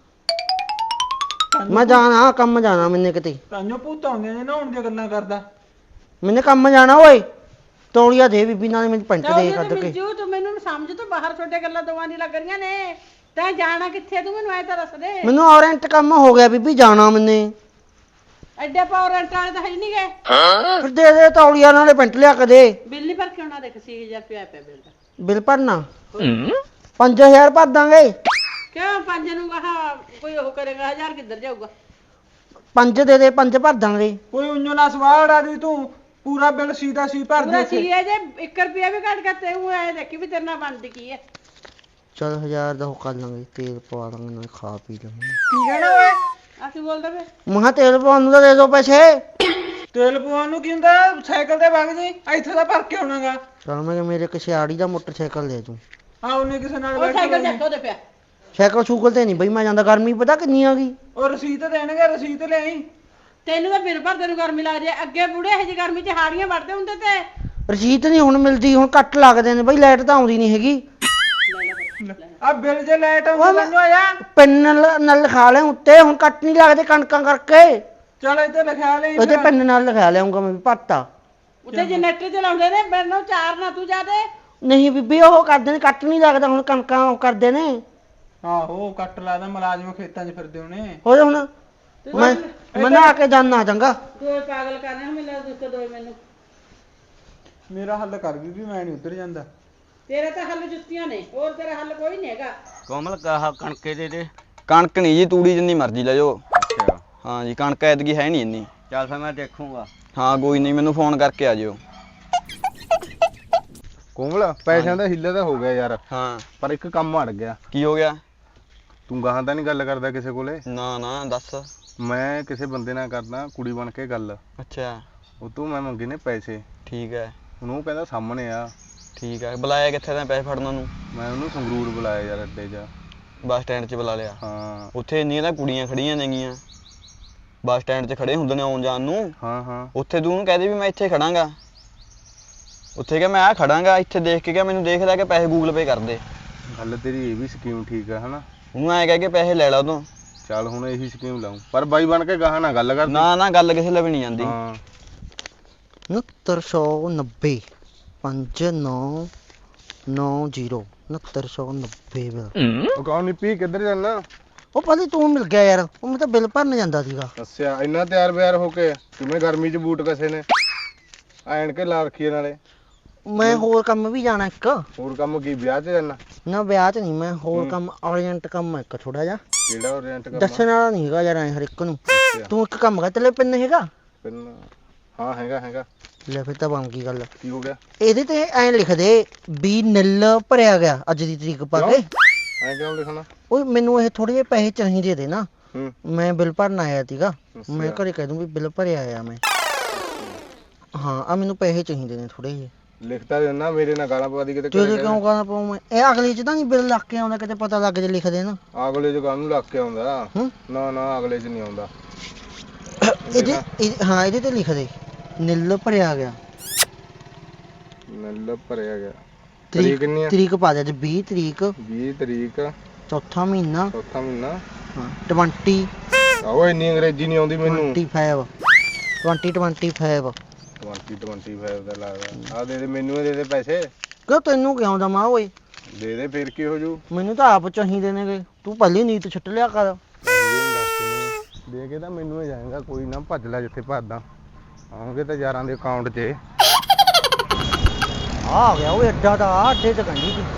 [SPEAKER 3] ਮੈਂ ਜਾਣਾ ਕੰਮ ਜਾਣਾ ਮੈਨੇ ਕਿਤੇ,
[SPEAKER 4] ਤਾਂਿਓ ਭੂਤ ਆਉਂਦੇ ਨੇ ਨਹਾਉਣ ਦੀਆਂ ਗੱਲਾਂ ਕਰਦਾ।
[SPEAKER 3] ਮੈਨੇ ਕੰਮ ਜਾਣਾ ਓਏ। ਤੌਲੀਆ ਦੇ ਬੀਬੀ, ਨਾਲੇ ਮੈਨੂੰ ਪੈਂਟ ਦੇ ਕੱਢ ਕੇ।
[SPEAKER 2] ਮਿੰਜੂ ਤੂੰ ਮੈਨੂੰ ਸਮਝ, ਤੂੰ ਬਾਹਰ ਛੋਟੇ ਗੱਲਾਂ ਦੋਵਾਂ ਦੀ ਲੱਗ ਰਹੀਆਂ ਨੇ। ਤੈਂ ਜਾਣਾ ਕਿੱਥੇ ਤੂੰ ਮੈਨੂੰ ਐ ਤਾਂ ਦੱਸ ਦੇ।
[SPEAKER 3] ਮੈਨੂੰ ਔਰੈਂਟ ਕੰਮ ਹੋ ਗਿਆ ਬੀਬੀ, ਜਾਣਾ ਮੈਨੇ।
[SPEAKER 2] ਐਡੇ ਪਾਵਰੈਂਟ ਵਾਲੇ ਤਾਂ ਹੈ ਹੀ ਨਹੀਂ ਗਏ।
[SPEAKER 3] ਫਿਰ ਦੇ ਦੇ ਤੌਲੀਆ, ਨਾਲੇ ਪੈਂਟ ਲਿਆ ਕੇ ਦੇ।
[SPEAKER 2] ਬਿੱਲ ਨਹੀਂ ਭਰ ਕੇ ਆਉਣਾ, ਦੇਖ ਛੇ ਹਜ਼ਾਰ ਰੁਪਇਆ ਪਿਆ ਬਿੱਲ ਦਾ।
[SPEAKER 3] ਬਿੱਲ ਭਰਨਾ ਪੰਜ ਹਜ਼ਾਰ ਭਰ ਦਾਂਗੇ।
[SPEAKER 2] ਕਿਉਂ ਪੰਜ ਨੂੰ ਕਹਾ ਕੋਈ ਉਹ ਕਰੇਗਾ, ਹਜ਼ਾਰ ਕਿੱਧਰ ਜਾਊਗਾ?
[SPEAKER 3] ਪੰਜ ਦੇ ਦੇ, ਪੰਜ ਭਰ ਦਾਂਗੇ।
[SPEAKER 4] ਕੋਈ ਉਂਝੋ ਨਾ ਸਵਾੜ ਆ ਦੀ, ਤੂੰ ਪੂਰਾ ਬਿੱਲ ਸੀਦਾ ਸੀ ਭਰ ਦੇ
[SPEAKER 2] ਪੂਰਾ
[SPEAKER 4] ਉੱਥੇ।
[SPEAKER 2] ਸੀ ਹੈ ਜੇ ਇੱਕ ਰੁਪਿਆ ਵੀ ਘੱਟ ਕਰਤੇ ਹੂੰ ਐ ਦੇਖੀ ਵੀ ਤੇਰੇ ਨਾਲ ਬਣਦੀ ਕੀ ਹੈ।
[SPEAKER 3] ਚਲ ਹਜ਼ਾਰ ਦਾ ਉਹ ਕਰ ਲਾਂਗੇ, ਤੇਲ ਪਵਾ ਦਾਂਗੇ, ਨਾਲੇ ਖਾ ਪੀ ਲਾਂਗੇ।
[SPEAKER 4] ਕੀ ਕਹਿਣਾ ਓਏ?
[SPEAKER 2] ਅਸੀਂ ਬੋਲਦੇ ਵੇ
[SPEAKER 3] ਮੈਂ ਕਿਹਾ ਤੇਲ ਪਵਾਉਣ ਨੂੰ ਤਾਂ ਦੇ ਦੋ ਪੈਸੇ।
[SPEAKER 4] ਤੇਲ ਪਵਾਉਣ ਨੂੰ ਕੀ ਹੁੰਦਾ? ਸਾਈਕਲ ਤੇ ਵਗ ਜੀ, ਇੱਥੇ ਤਾਂ ਭਰ ਕੇ ਆਉਣਾਗਾ।
[SPEAKER 3] ਚਲ ਮੈਂ ਕਿਹਾ ਮੇਰੇ ਕਿਸੇ ਆੜੀ ਦਾ ਮੋਟਰਸਾਈਕਲ ਦੇ ਦੂੰ।
[SPEAKER 4] ਆ ਉਹਨੇ ਕਿਸੇ ਨਾਲ
[SPEAKER 2] ਉਹ
[SPEAKER 4] ਬੈਠ
[SPEAKER 2] ਸਾਈਕਲ
[SPEAKER 4] ਕੇ
[SPEAKER 2] ਚੱਕੋ ਦੇ ਪਿਆ।
[SPEAKER 3] ਸਾਈਕਲ ਸ਼ੂਕਲ ਤੇ ਨਹੀਂ ਬਈ ਮੈਂ ਜਾਂਦਾ, ਗਰਮੀ ਪਤਾ ਕਿੰਨੀ ਆ ਗਈ।
[SPEAKER 4] ਉਹ ਰਸੀਦ ਦੇਣਗੇ, ਰਸੀਦ ਲਿਆਈ।
[SPEAKER 2] ਤੈਨੂੰ ਤਾਂ ਬਿਨ ਭਰਦੇ ਨੂੰ ਗਰਮੀ ਲੱਗਦੀ ਹੈ। ਅੱਗੇ ਬੁੜੇ ਇਹੋ ਜਿਹੀ ਗਰਮੀ 'ਚ ਹਾੜੀਆਂ ਵੜਦੇ ਹੁੰਦੇ ਤੇ।
[SPEAKER 3] ਰਸੀਦ ਨਹੀਂ ਹੁਣ ਮਿਲਦੀ, ਹੁਣ ਕੱਟ ਲੱਗਦੇ ਨੇ ਬਈ, ਲਾਈਟ ਤਾਂ ਆਉਂਦੀ ਨਹੀਂ ਹੈਗੀ।
[SPEAKER 4] ਆ ਬਿੱਲ ਜੇ ਲਾਈਟ
[SPEAKER 3] ਓਏ
[SPEAKER 4] ਆਉਂਦੀ
[SPEAKER 3] ਮੈਂ-
[SPEAKER 4] ਤੈਨੂੰ ਆਇਆ।
[SPEAKER 3] ਪੈਨ ਨਾਲ ਨਾਲ ਲਿਖਾ ਲਿਆ ਉੱਤੇ, ਹੁਣ ਕੱਟ ਨਹੀਂ ਲੱਗਦੇ ਕਣਕਾਂ ਕਰਕੇ।
[SPEAKER 4] ਚਲ ਇੱਥੇ ਲਿਖਿਆ ਲਈ
[SPEAKER 3] ਉਹਦੇ ਪੈਨ ਨਾਲ ਲਿਖਾ ਲਿਆਉਂਗਾ ਮੈਂ ਵੀ, ਭਰਤਾ।
[SPEAKER 2] ਉੱਤੇ ਜਨਰੇਟਰ ਚਲਾਉਂਦੇ ਨੇ, ਮੈਨੂੰ ਚਾਰ ਨਾ ਤੂੰ ਜਾਦੇ।
[SPEAKER 3] ਨਹੀਂ ਬੀਬੀ ਉਹ ਕਰਦੇ ਨੇ, ਕੱਟ ਨਹੀਂ ਲੱਗਦਾ ਹੁਣ, ਕਣਕਾਂ ਉਹ ਕਰਦੇ ਨੇ।
[SPEAKER 4] ਆਹੋ ਕੱਟ ਲਾਦਾ, ਮੁਲਾਜ਼ਮ ਖੇਤਾਂ 'ਚ ਫਿਰਦੇ ਹੋਣੇ।
[SPEAKER 3] ਹੋਰ ਹੁਣ ਮੈਂ ਮੈਂ ਨਹਾ ਕੇ ਜਾਨਾ ਚੰਗਾ।
[SPEAKER 2] ਦੋਏ ਪਾਗਲ ਕਰਨੇ ਨੂੰ ਮਿਲਿਆ ਦੁੱਖ ਦੋਏ ਮੈਨੂੰ।
[SPEAKER 4] ਮੇਰਾ ਹੱਲ ਕਰ ਵੀ ਵੀ ਮੈਂ ਨਹੀਂ ਉੱਧਰ ਜਾਂਦਾ।
[SPEAKER 2] ਤੇਰੇ ਤਾਂ ਹੱਲ ਜੁੱਤੀਆਂ ਨੇ, ਹੋਰ ਤੇਰਾ ਹੱਲ ਕੋਈ ਨਹੀਂ ਹੈਗਾ।
[SPEAKER 5] ਕੋਮਲ ਕਹਾ ਕਣਕੇ ਦੇ ਦੇ। ਕਣਕ ਨਹੀਂ ਜੀ, ਤੂੜੀ ਜਿੰਨੀ ਮਰਜ਼ੀ ਲੈ ਜਾਓ।
[SPEAKER 1] ਅੱਛਾ
[SPEAKER 5] ਹਾਂ ਜੀ, ਕਣਕ ਐਤਕੀ ਹੈ ਨਹੀਂ ਇੰਨੀ।
[SPEAKER 1] ਚੱਲ ਫਿਰ ਮੈਂ ਦੇਖੂੰਗਾ।
[SPEAKER 5] ਹਾਂ ਕੋਈ ਨਹੀਂ, ਮੈਨੂੰ ਫੋਨ ਕਰਕੇ ਆ ਜਿਓ।
[SPEAKER 1] ਕੋਮਲ ਪੈਸਿਆਂ ਦਾ ਹਿੱਲਾ ਤਾਂ ਹੋ ਗਿਆ ਯਾਰ,
[SPEAKER 5] ਹਾਂ
[SPEAKER 1] ਪਰ ਇੱਕ ਕੰਮ ਅੜ ਗਿਆ।
[SPEAKER 5] ਕੀ ਹੋ ਗਿਆ?
[SPEAKER 1] ਤੂੰ ਗਾਹਾਂ ਤਾਂ ਨਹੀਂ ਗੱਲ ਕਰਦਾ ਕਿਸੇ ਕੋਲੇ?
[SPEAKER 5] ਨਾ ਨਾ ਦੱਸ।
[SPEAKER 1] ਮੈਂ ਕਿਸੇ ਬੰਦੇ ਨਾਲ ਕਰਦਾ ਕੁੜੀ ਬਣ ਕੇ ਗੱਲ,
[SPEAKER 5] ਅੱਛਾ
[SPEAKER 1] ਉਹ ਤੋਂ ਮੈਂ ਮੰਗੇ ਨੇ ਪੈਸੇ।
[SPEAKER 5] ਠੀਕ ਹੈ
[SPEAKER 1] ਹੁਣ ਉਹ ਕਹਿੰਦਾ ਸਾਹਮਣੇ ਆ।
[SPEAKER 5] ਠੀਕ ਹੈ, ਬੁਲਾਇਆ ਕਿੱਥੇ ਤੈਂ ਪੈਸੇ ਫੜਨ ਨੂੰ?
[SPEAKER 1] ਮੈਂ ਉਹਨੂੰ ਸੰਗਰੂਰ ਬੁਲਾਇਆ ਯਾਰ ਅੱਡੇ 'ਚ।
[SPEAKER 5] ਬੱਸ ਸਟੈਂਡ 'ਚ ਬੁਲਾ ਲਿਆ?
[SPEAKER 1] ਹਾਂ
[SPEAKER 5] ਉੱਥੇ ਇੰਨੀਆਂ ਤਾਂ ਕੁੜੀਆਂ ਖੜੀਆਂ ਨੇਗੀਆਂ, ਬੱਸ ਸਟੈਂਡ 'ਚ ਖੜੇ ਹੁੰਦੇ ਨੇ ਆਉਣ ਜਾਣ ਨੂੰ।
[SPEAKER 1] ਹਾਂ ਹਾਂ
[SPEAKER 5] ਉੱਥੇ ਤੂੰ ਉਹਨੂੰ ਕਹਿ ਦੇ ਵੀ ਮੈਂ ਇੱਥੇ ਖੜਾਂਗਾ। ਉੱਥੇ ਕਿਹਾ ਮੈਂ ਆ ਖੜਾਂਗਾ, ਇੱਥੇ ਦੇਖ ਕੇ ਕਿਹਾ ਮੈਨੂੰ ਦੇਖ ਲੈ ਕੇ ਪੈਸੇ ਗੂਗਲ ਪੇ ਕਰ ਦੇ।
[SPEAKER 1] ਗੱਲ ਤੇਰੀ ਇਹ ਵੀ ਸਕੀਮ ਠੀਕ ਆ ਹਨਾ।
[SPEAKER 5] ਉਹਨੂੰ ਐਂ ਕਹਿ ਕੇ ਪੈਸੇ ਲੈ ਲਾ ਉਦੋਂ।
[SPEAKER 1] ਚੱਲ ਹੁਣ ਇਹੀ ਸਕੀਮ ਲਾਉਂ, ਪਰ ਬਾਈ ਬਣ ਕੇ ਗਾਹਾਂ ਨਾ ਗੱਲ ਕਰ।
[SPEAKER 5] ਨਾ ਨਾ ਗੱਲ ਕਿਸੇ ਲਈ ਵੀ ਨਹੀਂ ਜਾਂਦੀ।
[SPEAKER 1] ਹਾਂ
[SPEAKER 3] ਉਣੱਤਰ ਸੌ ਨੱਬੇ ਪੰਜ ਨੌ ਨੌ ਜ਼ੀਰੋ ਉਣੱਤਰ ਸੌ ਨੱਬੇ ਬਿੱਲ।
[SPEAKER 1] ਉਹ ਕੌਣ ਨਿੱਪੀ ਕਿੱਧਰ ਜਾਣਾ?
[SPEAKER 3] ਉਹ ਭਾਜੀ ਤੂੰ ਮਿਲ ਗਿਆ ਯਾਰ, ਉਹ ਮੈਂ ਤਾਂ ਬਿੱਲ ਭਰਨ ਜਾਂਦਾ ਸੀਗਾ।
[SPEAKER 1] ਅੱਛਾ ਇੰਨਾ ਤਿਆਰ ਬਿਆਰ ਹੋ ਕੇ ਕਿਵੇਂ ਗਰਮੀ 'ਚ ਬੂਟ ਕਸੇ ਨੇ ਐਣ ਕੇ ਲਾ ਰੱਖੀ ਨਾਲੇ।
[SPEAKER 3] ਮੈਂ ਹੋਰ ਕੰਮ ਵੀ ਜਾਣਾ ਇੱਕ।
[SPEAKER 1] ਹੋਰ ਕੰਮ ਕੀ ਵਿਆਹ 'ਚ ਜਾਣਾ?
[SPEAKER 3] ਨਾ ਵਿਆਹ 'ਚ ਨਹੀਂ, ਮੈਂ ਹੋਰ ਕੰਮ ਅਰਜੈਂਟ ਕੰਮ ਆ ਇੱਕ ਥੋੜਾ ਜਿਹਾ।
[SPEAKER 1] ਕਿਹੜਾ ਓਰੀਐਂਟ ਕੰਮ?
[SPEAKER 3] ਦੱਸਣ ਵਾਲਾ ਨਹੀਂ ਹੈਗਾ ਯਾਰ ਐ ਹਰ ਇੱਕ ਨੂੰ।
[SPEAKER 1] ਅੱਛਾ।
[SPEAKER 3] ਤੂੰ ਇੱਕ ਕੰਮ ਕਰ, ਤੇਰੇ ਪੈਨ ਹੈਗਾ?
[SPEAKER 1] ਪੈਨ ਹਾਂ ਹੈਗਾ ਹੈਗਾ।
[SPEAKER 3] ਲੈ ਫਿਰ ਤਾਂ ਬਣ ਗਈ ਗੱਲ।
[SPEAKER 1] ਕੀ ਹੋ ਗਿਆ?
[SPEAKER 3] ਇਹਦੇ ਤੇ ਐਂ ਲਿਖ ਦੇ ਵੀ ਨਿੱਲ ਭਰਿਆ ਗਿਆ ਅੱਜ ਦੀ ਤਰੀਕ ਪਾ ਕੇ।
[SPEAKER 1] ਐਂ ਕਿਉਂ ਲਿਖਣਾ?
[SPEAKER 3] ਓਏ ਮੈਨੂੰ ਇਹ ਥੋੜੇ ਜਿਹੇ ਪੈਸੇ ਚਾਹੀਦੇ ਦੇ ਨਾ,
[SPEAKER 1] ਹੂੰ
[SPEAKER 3] ਮੈਂ ਬਿੱਲ ਭਰਨ ਆਇਆ ਸੀਗਾ। ਮੈਂ
[SPEAKER 1] ਅੱਛਾ।
[SPEAKER 3] ਘਰੇ ਕਹਿ ਦੂੰ ਵੀ ਬਿੱਲ ਭਰਿਆ ਆਇਆ ਮੈਂ। ਹਾਂ ਆ ਮੈਨੂੰ ਪੈਸੇ ਚਾਹੀਦੇ ਨੇ ਥੋੜੇ ਜਿਹੇ।
[SPEAKER 1] ਲਿਖਤਾ ਦੇਣਾ, ਮੇਰੇ ਨਾਲ ਗਾਲਾਂ ਪਵਾ ਦੀ ਕਿਤੇ।
[SPEAKER 3] ਤੇਰੇ ਕਿਉਂ ਕਹਣਾ ਪਾਉ ਮੈਂ? ਇਹ ਅਗਲੇ ਚ ਤਾਂ ਨਹੀਂ ਬਿੱਲ ਲੱਗ ਕੇ ਆਉਂਦਾ, ਕਿਤੇ ਪਤਾ ਲੱਗ ਜੇ ਲਿਖ ਦੇ ਨਾ।
[SPEAKER 1] ਅਗਲੇ 'ਚ ਕਾਹਨੂੰ ਲੱਗ ਕੇ ਆਉਂਦਾ?
[SPEAKER 3] ਹੂੰ
[SPEAKER 1] ਨਾ ਨਾ ਅਗਲੇ 'ਚ ਨਹੀਂ ਆਉਂਦਾ।
[SPEAKER 3] ਇਹਦੇ ਇਹ- ਹਾਂ ਇਹਦੇ ਤੇ ਲਿਖ ਦੇ ਨਿੱਲ ਭਰਿਆ ਗਿਆ।
[SPEAKER 1] ਨੱਲ ਭਰਿਆ ਗਿਆ। ਤਰੀਕ ਕਿੰਨੀ ਆ?
[SPEAKER 3] ਤਰੀਕ ਪਾ ਦੇ ਅੱਜ ਵੀਹ ਤਰੀਕ
[SPEAKER 1] ਵੀਹ ਤਰੀਕ
[SPEAKER 3] ਚੌਥਾ ਮਹੀਨਾ।
[SPEAKER 1] ਚੌਥਾ ਮਹੀਨਾ।
[SPEAKER 3] ਹਾਂ ਵੀਹ
[SPEAKER 1] ਆਹੋ ਇੰਨੀ ਅੰਗਰੇਜ਼ੀ ਨਹੀਂ ਆਉਂਦੀ ਮੈਨੂੰ।
[SPEAKER 3] ਪੱਚੀ ਵੀਹ ਪੱਚੀ
[SPEAKER 1] ਵੀਹ ਪੱਚੀ ਦਾ ਲੱਗਦਾ। ਆ ਦੇ ਦੇ ਮੈਨੂੰ ਇਹ ਦੇ ਦੇ ਪੈਸੇ।
[SPEAKER 3] ਕਿਉਂ ਤੈਨੂੰ ਕਿਉਂ ਦਮਾ ਓਏ?
[SPEAKER 1] ਦੇ ਦੇ ਫਿਰ ਕੀ ਹੋ ਜੂ?
[SPEAKER 3] ਮੈਨੂੰ ਤਾਂ ਆਪ ਚਾਹੀਦੇ ਨੇਗੇ, ਤੂੰ ਪਹਿਲੀ ਨੀਤ ਛੱਟ ਲਿਆ ਕਰ।
[SPEAKER 1] ਦੇ ਕੇ ਤਾਂ ਮੈਨੂੰ ਹੀ ਜਾਏਗਾ, ਕੋਈ ਨਾ ਭੱਜ ਲੈ ਜਿੱਥੇ ਭੱਜਦਾ। ਆਉਂਗੇ ਤਾਂ ਯਾਰਾਂ ਦੇ ਅਕਾਊਂਟ 'ਚ।
[SPEAKER 3] ਆ ਗਿਆ ਉਹ ਅੱਡਾ ਤਾਂ ਆ ਅੱਡੇ ਤੇ ਕੰਢੀ ਸੀ।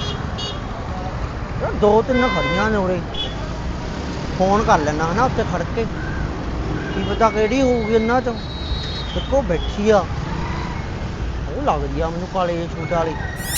[SPEAKER 3] ਯਾਰ ਦੋ ਤਿੰਨ ਖੜੀਆਂ ਨੇ ਉਰੇ, ਫੋਨ ਕਰ ਲੈਣਾ ਹਨਾ ਉੱਤੇ ਖੜ ਕੇ, ਕੀ ਪਤਾ ਕਿਹੜੀ ਹੋਊਗੀ ਇਹਨਾਂ ਚੋਂ। ਇੱਕੋ ਬੈਠੀ ਆ, ਉਹ ਲੱਗਦੀ ਆ ਮੈਨੂੰ ਕਾਲੇ ਜਿਹੇ ਸੂਟ ਵਾਲੀ।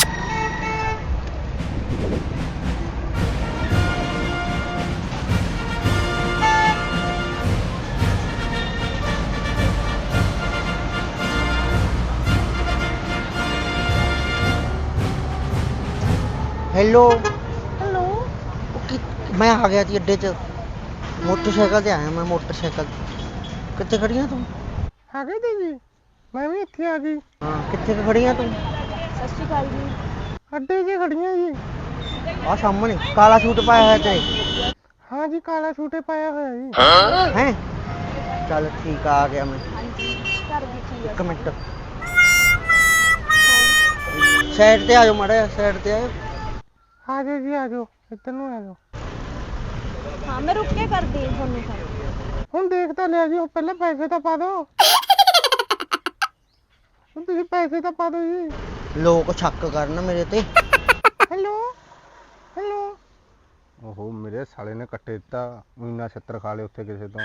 [SPEAKER 3] ਹੈਲੋ
[SPEAKER 2] ਹੈਲੋ
[SPEAKER 3] ਮੈਂ ਆ ਗਿਆ ਸੀ ਅੱਡੇ 'ਚ, ਮੋਟਰਸਾਈਕਲ ਤੇ ਆਇਆ ਮੈਂ। ਮੋਟਰਸਾਈਕਲ ਕਿੱਥੇ ਖੜੀਆਂ ਤੂੰ?
[SPEAKER 6] ਆ ਗਈ ਦੀਦੀ, ਮੈਂ ਵੀ ਇੱਥੇ ਆ ਗਈ।
[SPEAKER 3] ਹਾਂ ਕਿੱਥੇ ਕੁ ਖੜੀਆਂ ਤੂੰ?
[SPEAKER 2] ਸਤਿ ਸ਼੍ਰੀ ਅਕਾਲ ਜੀ।
[SPEAKER 6] ਅੱਡੇ 'ਚ ਖੜੀਆਂ ਜੀ।
[SPEAKER 3] ਆ ਸਾਹਮਣੇ ਕਾਲਾ ਸੂਟ ਪਾਇਆ ਹੋਇਆ ਤੇਰੇ।
[SPEAKER 6] ਹਾਂ ਜੀ ਕਾਲਾ ਸੂਟ ਪਾਇਆ ਹੋਇਆ ਜੀ।
[SPEAKER 3] ਹੈ ਚੱਲ ਠੀਕ ਆ, ਆ ਗਿਆ ਮੈਂ।
[SPEAKER 2] ਹਾਂਜੀ ਘਰ ਦੀ ਕੀ
[SPEAKER 3] ਇੱਕ ਮਿੰਟ ਸਾਈਡ ਤੇ ਆ ਜਾਓ, ਮਾੜਾ ਸਾਈਡ ਤੇ ਆਇਓ।
[SPEAKER 6] ਆ ਜਾਓ ਜੀ ਆ ਜਾਓ, ਇੱਧਰ ਨੂੰ ਆ ਜਾਓ।
[SPEAKER 2] ਹਾਂ ਮੈਂ ਰੁਕ ਕੇ ਕਰਦੀ ਹਾਂ ਤੁਹਾਨੂੰ ਫੋਨ।
[SPEAKER 6] ਹੁਣ ਦੇਖ ਤਾਂ ਲਿਆ ਜੀ, ਉਹ ਪਹਿਲਾਂ ਪੈਸੇ ਤਾਂ ਪਾ ਦਿਓ। ਹੁਣ ਤੁਸੀਂ ਪੈਸੇ ਤਾਂ ਪਾ ਦਿਓ ਜੀ।
[SPEAKER 3] ਲੋਕ ਸ਼ੱਕ ਕਰਨ ਮੇਰੇ ਤੇ।
[SPEAKER 6] Hello hello.
[SPEAKER 1] ਓਹੋ ਮੇਰੇ ਸਾਲੇ ਨੇ ਕੱਟੇ ਦਿੱਤਾ, ਮਹੀਨਾ ਛੱਤਰ ਖਾ ਲਏ ਉੱਥੇ ਕਿਸੇ ਤੋਂ।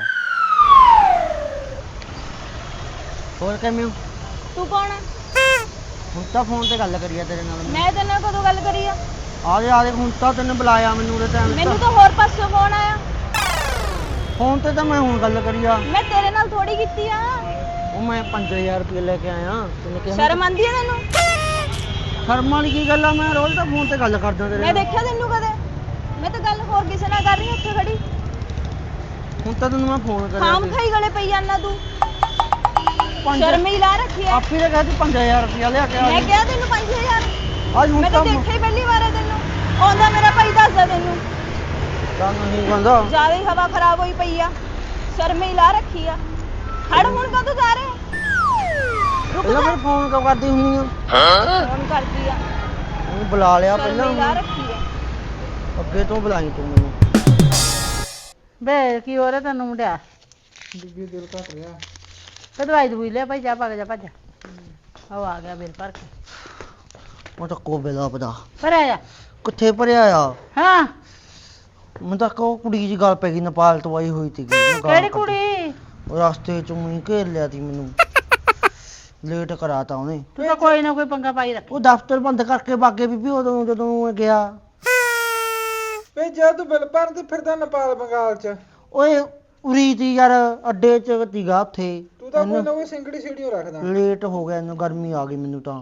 [SPEAKER 3] ਹੋਰ ਕਿਵੇਂ ਹੋ?
[SPEAKER 2] ਤੂੰ ਕੌਣ ਆ?
[SPEAKER 3] ਹੁਣ ਤਾਂ ਫੋਨ ਤੇ ਗੱਲ ਕਰੀ ਆ ਤੇਰੇ ਨਾਲ ਮੈਂ।
[SPEAKER 2] ਮੈਂ ਤੇਰੇ ਨਾਲ ਕਦੋਂ ਗੱਲ ਕਰੀ ਆ?
[SPEAKER 3] ਆ ਦੇ ਆ ਦੇ, ਹੁਣ ਤਾਂ ਤੈਨੂੰ ਬੁਲਾਇਆ ਮੈਨੂੰ ਉਹਦੇ ਟਾਈਮ
[SPEAKER 2] ਮੈਨੂੰ ਤਾਂ ਹੋਰ ਪਾਸੋਂ ਫੋਨ ਆਇਆ।
[SPEAKER 3] ਫੋਨ ਤੇ ਤਾਂ ਮੈਂ ਹੁਣ ਗੱਲ ਕਰੀ ਆ।
[SPEAKER 2] ਮੈਂ ਤੇਰੇ ਨਾਲ ਥੋੜੀ ਕੀਤੀ ਆ।
[SPEAKER 3] ਉਹ ਮੈਂ ਪੰਜ ਹਜ਼ਾਰ ਰੁਪਏ ਲੈ ਕੇ ਆਇਆ। ਤੈਨੂੰ ਕਿਹਾ
[SPEAKER 2] ਸ਼ਰਮ ਆਂਦੀ ਆ ਤੈਨੂੰ?
[SPEAKER 3] ਸ਼ਰਮ ਵਾਲੀ ਕੀ ਗੱਲ ਆ, ਮੈਂ ਰੋਜ਼ ਤਾਂ ਫੋਨ ਤੇ ਗੱਲ ਕਰਦਾ ਤੇਰੇ
[SPEAKER 2] ਮੈਂ
[SPEAKER 3] ਨਾਲ।
[SPEAKER 2] ਦੇਖਿਆ ਤੈਨੂੰ ਕਦੇ? ਮੈਂ ਤਾਂ ਗੱਲ ਹੋਰ ਕਿਸੇ ਨਾਲ ਕਰ ਰਹੀ ਹਾਂ ਉੱਥੇ ਖੜੀ।
[SPEAKER 3] ਹੁਣ ਤਾਂ ਤੈਨੂੰ ਮੈਂ ਫੋਨ ਕਰਿਆ
[SPEAKER 2] ਖਾਮ
[SPEAKER 3] ਸੀ।
[SPEAKER 2] ਖਾਈ ਗਲੇ ਪਈ ਜਾਂਦਾ ਤੂੰ।
[SPEAKER 3] ਪੰਜ-
[SPEAKER 2] ਸ਼ਰਮ ਹੀ ਲਾ ਰੱਖੀ ਐ।
[SPEAKER 3] ਆਪੀ ਤਾਂ ਕਹਿੰਦੀ ਪੰਜ ਹਜ਼ਾਰ ਰੁਪਇਆ ਲਿਆ ਕੇ ਆ
[SPEAKER 2] ਮੈਂ
[SPEAKER 3] ਜੀ।
[SPEAKER 2] ਕਿਹਾ ਤੈਨੂੰ ਪੰਜ ਹਜ਼ਾਰ।
[SPEAKER 3] ਅੱਜ ਹੁਣ
[SPEAKER 2] ਮੈਂ
[SPEAKER 3] ਤਾਂ
[SPEAKER 2] ਤਾਂ ਦੇਖਿਆ ਹੀ ਪਹਿਲੀ ਵਾਰ ਹੈ ਤੈਨੂੰ। ਆਉਂਦਾ ਮੇਰਾ ਭਾਈ ਦੱਸਦਾ ਤੈਨੂੰ।
[SPEAKER 3] ਤਾਂ ਨਹੀਂ ਕਹਿੰਦਾ।
[SPEAKER 2] ਜ਼ਿਆਦਾ ਹੀ ਹਵਾ ਖਰਾਬ ਹੋਈ ਪਈ ਆ। ਸ਼ਰਮ ਹੀ ਲਾ ਰੱਖੀ ਆ। ਹੜ ਹੁਣ ਕਦੋਂ ਜਾ ਰਹੇ? ਰੁਕ
[SPEAKER 3] ਪਹਿਲਾਂ
[SPEAKER 2] ਜਾ।
[SPEAKER 3] ਫਿਰ ਫੋਨ ਕਿਉਂ ਕਰਦੀ ਹੁੰਦੀ ਆ?
[SPEAKER 2] ਫੋਨ ਕਰਦੀ ਆ।
[SPEAKER 3] ਉਹਨੂੰ ਬੁਲਾ ਲਿਆ
[SPEAKER 2] ਸ਼ਰਮ
[SPEAKER 3] ਪਹਿਲਾਂ।
[SPEAKER 2] ਹੀ ਲਾ ਰੱਖੀ ਆ।
[SPEAKER 3] ਅੱਗੇ ਤੋਂ ਬੁਲਾਈ ਤੂੰ ਮੈਨੂੰ।
[SPEAKER 2] ਬੇ ਕੀ ਹੋ ਰਿਹਾ ਤੈਨੂੰ ਮੁੰਡਿਆ?
[SPEAKER 6] ਬੀਬੀ ਦਿਲ ਘਟ ਰਿਹਾ।
[SPEAKER 2] ਤੇ ਦਵਾਈ ਦਵਾਈ ਲੈ ਭਾਈ, ਜਾ ਪਾ ਕੇ ਜਾ ਭੱਜ। ਉਹ ਆ ਗਿਆ ਬਿੱਲ ਭਰ ਕੇ।
[SPEAKER 3] ਉਹ ਤਾਂ ਕੋ ਬੇਲਾ ਪਤਾ
[SPEAKER 2] ਭਰਿਆ ਜਾ।
[SPEAKER 3] ਕਿੱਥੇ ਭਰਿਆ ਆ?
[SPEAKER 2] ਹਾਂ
[SPEAKER 3] ਮੈਨੂੰ ਤਾਂ ਕੋ ਕੁੜੀ ਜੀ ਗੱਲ ਪੈ ਗਈ, ਨੇਪਾਲ ਤੋਂ ਆਈ ਹੋਈ ਸੀਗੀ। ਮੈਂ ਗਾਲ
[SPEAKER 2] ਕਿਹੜੀ
[SPEAKER 3] ਕੱਢੀ।
[SPEAKER 2] ਕੁੜੀ?
[SPEAKER 3] ਉਹ ਰਸਤੇ ਚੋਂ ਹੀ ਘੇਰ ਲਿਆ ਸੀ ਮੈਨੂੰ। ਲੇਟ ਕਰਾਤਾ ਉਹਨੇ।
[SPEAKER 2] ਤੂੰ ਤਾਂ ਕੋਈ ਨਾ ਕੋਈ ਪੰਗਾ ਪਾਈ ਰੱਖ।
[SPEAKER 3] ਉਹ ਦਫ਼ਤਰ ਬੰਦ ਕਰਕੇ ਬਾਗੇ ਬੀਬੀ ਉਦੋਂ ਜਦੋਂ ਮੈਂ ਗਿਆ।
[SPEAKER 4] ਵੇ ਜਦ ਤੂੰ ਬਿੱਲ ਭਰਨ ਤੇ ਫਿਰਦਾ ਨੇਪਾਲ ਬੰਗਾਲ ਚ,
[SPEAKER 3] ਓਏ ਉਰੀ ਤੀ ਯਾਰ, ਅੱਡੇ ਚ ਸੀਗਾ ਉੱਥੇ।
[SPEAKER 4] ਤੂੰ ਤਾਂ ਕੋਈ ਨਾ ਕੋਈ ਸਿੰਗੜੀ ਸੀੜੀਓ ਰੱਖਦਾ।
[SPEAKER 3] ਲੇਟ ਹੋ ਗਿਆ, ਇਹਨੂੰ ਗਰਮੀ ਆ ਗਈ ਮੈਨੂੰ ਤਾਂ।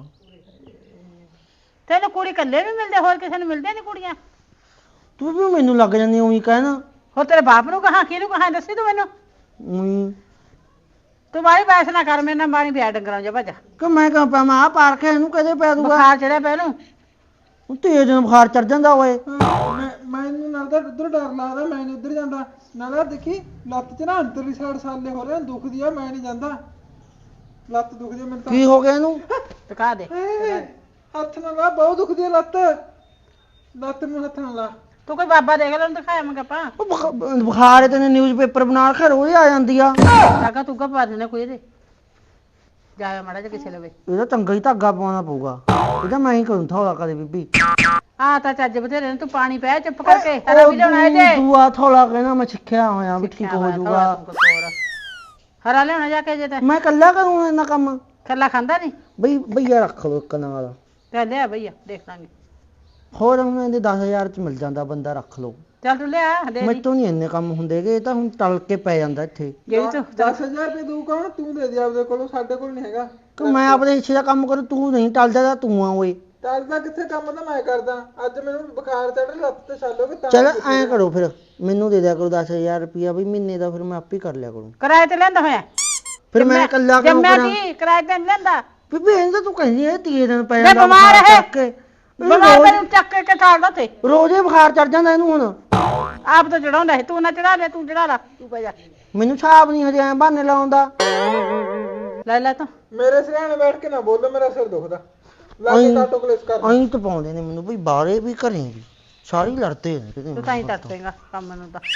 [SPEAKER 2] ਤੈਨੂੰ ਕੁੜੀ ਕੱਲੇ ਵੀ ਮਿਲਦੇ, ਹੋਰ ਕਿਸੇ ਨੂੰ ਮਿਲਦੇ ਨਹੀਂ ਕੁੜੀਆਂ?
[SPEAKER 3] ਤੂੰ ਵੀ ਮੈਨੂੰ ਲੱਗ ਜਾਂਦੀ ਉਹੀ ਕਹਿਣਾ।
[SPEAKER 2] ਹੋਰ ਤੇਰੇ ਬਾਪ ਨੂੰ ਕਹਾਂ, ਕਿਹਨੂੰ ਕਹਾਂ, ਦੱਸੀ ਤੂੰ ਮੈਨੂੰ।
[SPEAKER 3] ਉਹੀ
[SPEAKER 2] ਤੂੰ ਬਾਈ ਬੈਸ ਨਾ ਕਰ ਮੇਰੇ ਨਾਲ, ਮਾਰੀ ਪਿਆ ਡੰਗਰਾਂ ਜਾ ਭੱਜ।
[SPEAKER 3] ਕਿ ਮੈਂ ਕਹਾਂ ਪਾ ਮੈਂ ਆ ਪਾਰਕ ਹੈ, ਇਹਨੂੰ ਕਦੇ ਪੈ ਦੂਗਾ।
[SPEAKER 2] ਬੁਖਾਰ ਚੜਿਆ ਪਿਆ ਇਹਨੂੰ।
[SPEAKER 3] ਉਹ ਤੇਜ਼ ਨੂੰ ਬੁਖਾਰ ਚੜ ਜਾਂਦਾ ਓਏ।
[SPEAKER 4] ਮੈਂ ਮੈਨੂੰ ਨਾਲ ਤਾਂ ਉਧਰ ਡਰ ਲੱਗਦਾ, ਮੈਂ ਨਹੀਂ ਉਧਰ ਜਾਂਦਾ। ਨਾਲ ਆਹ ਦੇਖੀ ਲੱਤ 'ਚ ਨਾ ਅੰਦਰਲੀ ਸਾਈਡ ਸਾਲੇ ਹੋ ਰਹੇ ਦੁਖਦੀ ਆ, ਮੈਂ ਨਹੀਂ ਜਾਂਦਾ। ਲੱਤ ਦੁਖਦੀ ਆ ਮੈਨੂੰ ਤਾਂ
[SPEAKER 3] ਕੀ ਹੋ ਗਿਆ ਇਹਨੂੰ?
[SPEAKER 2] ਟਕਾ ਦੇ
[SPEAKER 4] ਏ, ਹੱਥ ਨਾਲ ਲਾ, ਬਹੁਤ ਦੁਖਦੀ ਆ ਲੱਤ। ਲੱਤ ਨੂੰ ਹੱਥ ਨਾਲ ਲਾ।
[SPEAKER 2] ਤੂੰ ਕੋਈ ਬਾਬਾ ਦੇਖ ਲੈ ਉਹਨੂੰ ਦਿਖਾਇਆ ਮੈਂ ਆਪਾਂ
[SPEAKER 3] ਉਹ ਬੁਖ- ਬੁਖਾਰ ਤੇ ਨਿਊਜ਼ਪੇਪਰ ਬਣਾ ਕੇ ਰੋਜ਼ ਆ ਜਾਂਦੀ ਆ।
[SPEAKER 2] ਟਾਕਾ ਤੂੰ ਕਾ ਪਾ ਦੇਣਾ ਕੋਈ ਇਹਦੇ ਜਾਇਆ ਮਾੜਾ ਜਿਹਾ ਕਿਸੇ ਲਵੇ
[SPEAKER 3] ਇਹਦਾ ਚੰਗਾ ਹੀ ਧਾਗਾ ਪਾਉਣਾ ਪਊਗਾ। ਇਹਦਾ ਮੈਂ ਹੀ ਕਰੂੰ ਥੋੜਾ ਕਦੇ ਬੀਬੀ।
[SPEAKER 2] ਆ ਤਾਂ ਚੱਜ ਬਥੇਰੇ ਨੇ ਤੂੰ ਪਾਣੀ ਪੈ ਚੁੱਪ ਕਰਕੇ ਤੇਰਾ ਵੀ ਲਿਆਉਣਾ ਇਹਦੇ
[SPEAKER 3] ਦੂਆ ਥੋੜਾ ਕਹਿਣਾ ਮੈਂ ਸਿੱਖਿਆ ਹੋਇਆ ਵੀ ਠੀਕ ਹੋ ਜਾਊਗਾ।
[SPEAKER 2] ਹਰਾ ਲਿਆਉਣਾ ਜਾ ਕੇ ਜੇ ਤੇ
[SPEAKER 3] ਮੈਂ ਇਕੱਲਾ ਕਰੂੰ ਇਹਨਾਂ ਕੰਮ।
[SPEAKER 2] ਕੱਲਾ ਖਾਂਦਾ ਨਹੀਂ
[SPEAKER 3] ਬਈ ਭਈਆ ਰੱਖ ਲੋ ਇੱਕ ਨਾਲ।
[SPEAKER 2] ਤੇ ਲਿਆ ਭਈਆ ਦੇਖ ਲਾਂਗੇ
[SPEAKER 3] ਹੋਰ ਹੁਣ ਇਹਦੇ ਦਸ ਹਜ਼ਾਰ ਚ ਮਿਲ ਜਾਂਦਾ ਬੰਦਾ, ਰੱਖ ਲੋ।
[SPEAKER 2] ਚੱਲ ਤੂੰ ਲਿਆ ਦੇ ਦੀ
[SPEAKER 3] ਮੈਥੋਂ ਨਹੀਂ ਇੰਨੇ ਕੰਮ ਹੁੰਦੇਗੇ, ਇਹ ਤਾਂ ਹੁਣ ਟਲ ਕੇ ਪੈ ਜਾਂਦਾ ਇੱਥੇ।
[SPEAKER 2] ਜਿਹੜੀ ਤੂੰ
[SPEAKER 4] ਦਸ ਹਜ਼ਾਰ ਰੁਪਏ ਦਊ ਕੌਣ? ਤੂੰ ਦੇ ਦੇ ਆਪਦੇ ਕੋਲੋਂ, ਸਾਡੇ ਕੋਲ ਨਹੀਂ ਹੈਗਾ।
[SPEAKER 3] ਕਿ ਮੈਂ ਆਪਣੇ ਹਿੱਸੇ ਦਾ ਕੰਮ ਕਰੂ, ਤੂੰ ਨਹੀਂ ਟਲਦਾ ਤਾਂ ਤੂੰ ਆ ਓਏ।
[SPEAKER 4] ਚੱਲਦਾ ਕਿੱਥੇ ਕੰਮ ਤਾਂ ਮੈਂ ਕਰਦਾ। ਅੱਜ ਮੈਨੂੰ ਬੁਖਾਰ ਚੜ ਲੱਤ ਤੇ ਛਾਲੋਗੇ ਤਾਂ
[SPEAKER 3] ਚਲ ਐਂ ਕਰੋ ਫਿਰ, ਮੈਨੂੰ ਦੇ ਦਿਆ ਕਰੋ ਦਸ ਹਜ਼ਾਰ ਰੁਪਇਆ ਵੀ ਮਹੀਨੇ ਦਾ, ਫਿਰ ਮੈਂ ਆਪੇ ਕਰ ਲਿਆ ਕਰੂੰ।
[SPEAKER 2] ਕਿਰਾਏ ਤੇ ਲੈਂਦਾ ਹੋਇਆ
[SPEAKER 3] ਫਿਰ ਮੈਂ ਇਕੱਲਾ ਕੰਮ
[SPEAKER 2] ਜੰਮਿਆ
[SPEAKER 3] ਕਰਾਂ।
[SPEAKER 2] ਕੀ ਕਿਰਾਏ ਤੇ ਨੀ ਲੈਂਦਾ
[SPEAKER 3] ਬੀਬੀ ਇਹਨਾਂ ਤਾਂ ਤੂੰ ਕਹਿੰਦੀ ਐ ਤੀਏ ਦਿਨ ਪੈ
[SPEAKER 2] ਮੈਂ
[SPEAKER 3] ਜਾਂਦਾ
[SPEAKER 2] ਬਿਮਾਰ
[SPEAKER 3] ਬੁਖਾਰ
[SPEAKER 2] ਹੈ।
[SPEAKER 3] ਚੜ੍ਹ ਕੇ।
[SPEAKER 2] ਬਿਮਾਰ
[SPEAKER 3] ਰੋਜ਼-
[SPEAKER 2] ਮੈਨੂੰ ਚੱਕ ਕੇ ਠਾਲਦਾ ਤੇ
[SPEAKER 3] ਰੋਜ਼ ਹੀ ਬੁਖਾਰ ਚੜ ਜਾਂਦਾ ਇਹਨੂੰ ਹੁਣ।
[SPEAKER 2] ਆਪ ਤਾਂ ਚੜਾਉਂਦਾ ਸੀ ਤੂੰ ਨਾ ਚੜਾ ਲੈ ਤੂੰ ਚੜਾ ਲਾ ਤੂੰ ਪੈ ਜਾ
[SPEAKER 3] ਮੈਨੂੰ ਹਿਸਾਬ ਨਹੀਂ ਹਜੇ ਐ ਬਹਾਨੇ ਲਾਉਂਦਾ।
[SPEAKER 2] ਲੈ ਲੈ ਤੂੰ
[SPEAKER 4] ਮੇਰੇ ਸਿਰਹਾਣੇ ਬੈਠ ਕੇ ਨਾ ਬੋਲੋ, ਮੇਰਾ ਸਿਰ ਦੁਖਦਾ। ਲੱਗ ਕਾਟੋ ਕਲੇਸ ਕਰ।
[SPEAKER 3] ਐਂ ਤਾਂ ਪਾਉਂਦੇ ਨੇ ਮੈਨੂੰ ਬਈ, ਬਾਹਰੇ ਵੀ ਘਰੇ ਵੀ ਸਾਰੇ ਲੜਦੇ ਨੇ ਕਿਤੇ।
[SPEAKER 2] ਤੂੰ ਤਾਂ ਹੀ ਤੜਪੇਗਾ ਕੰਮ ਨੂੰ ਤਾਂ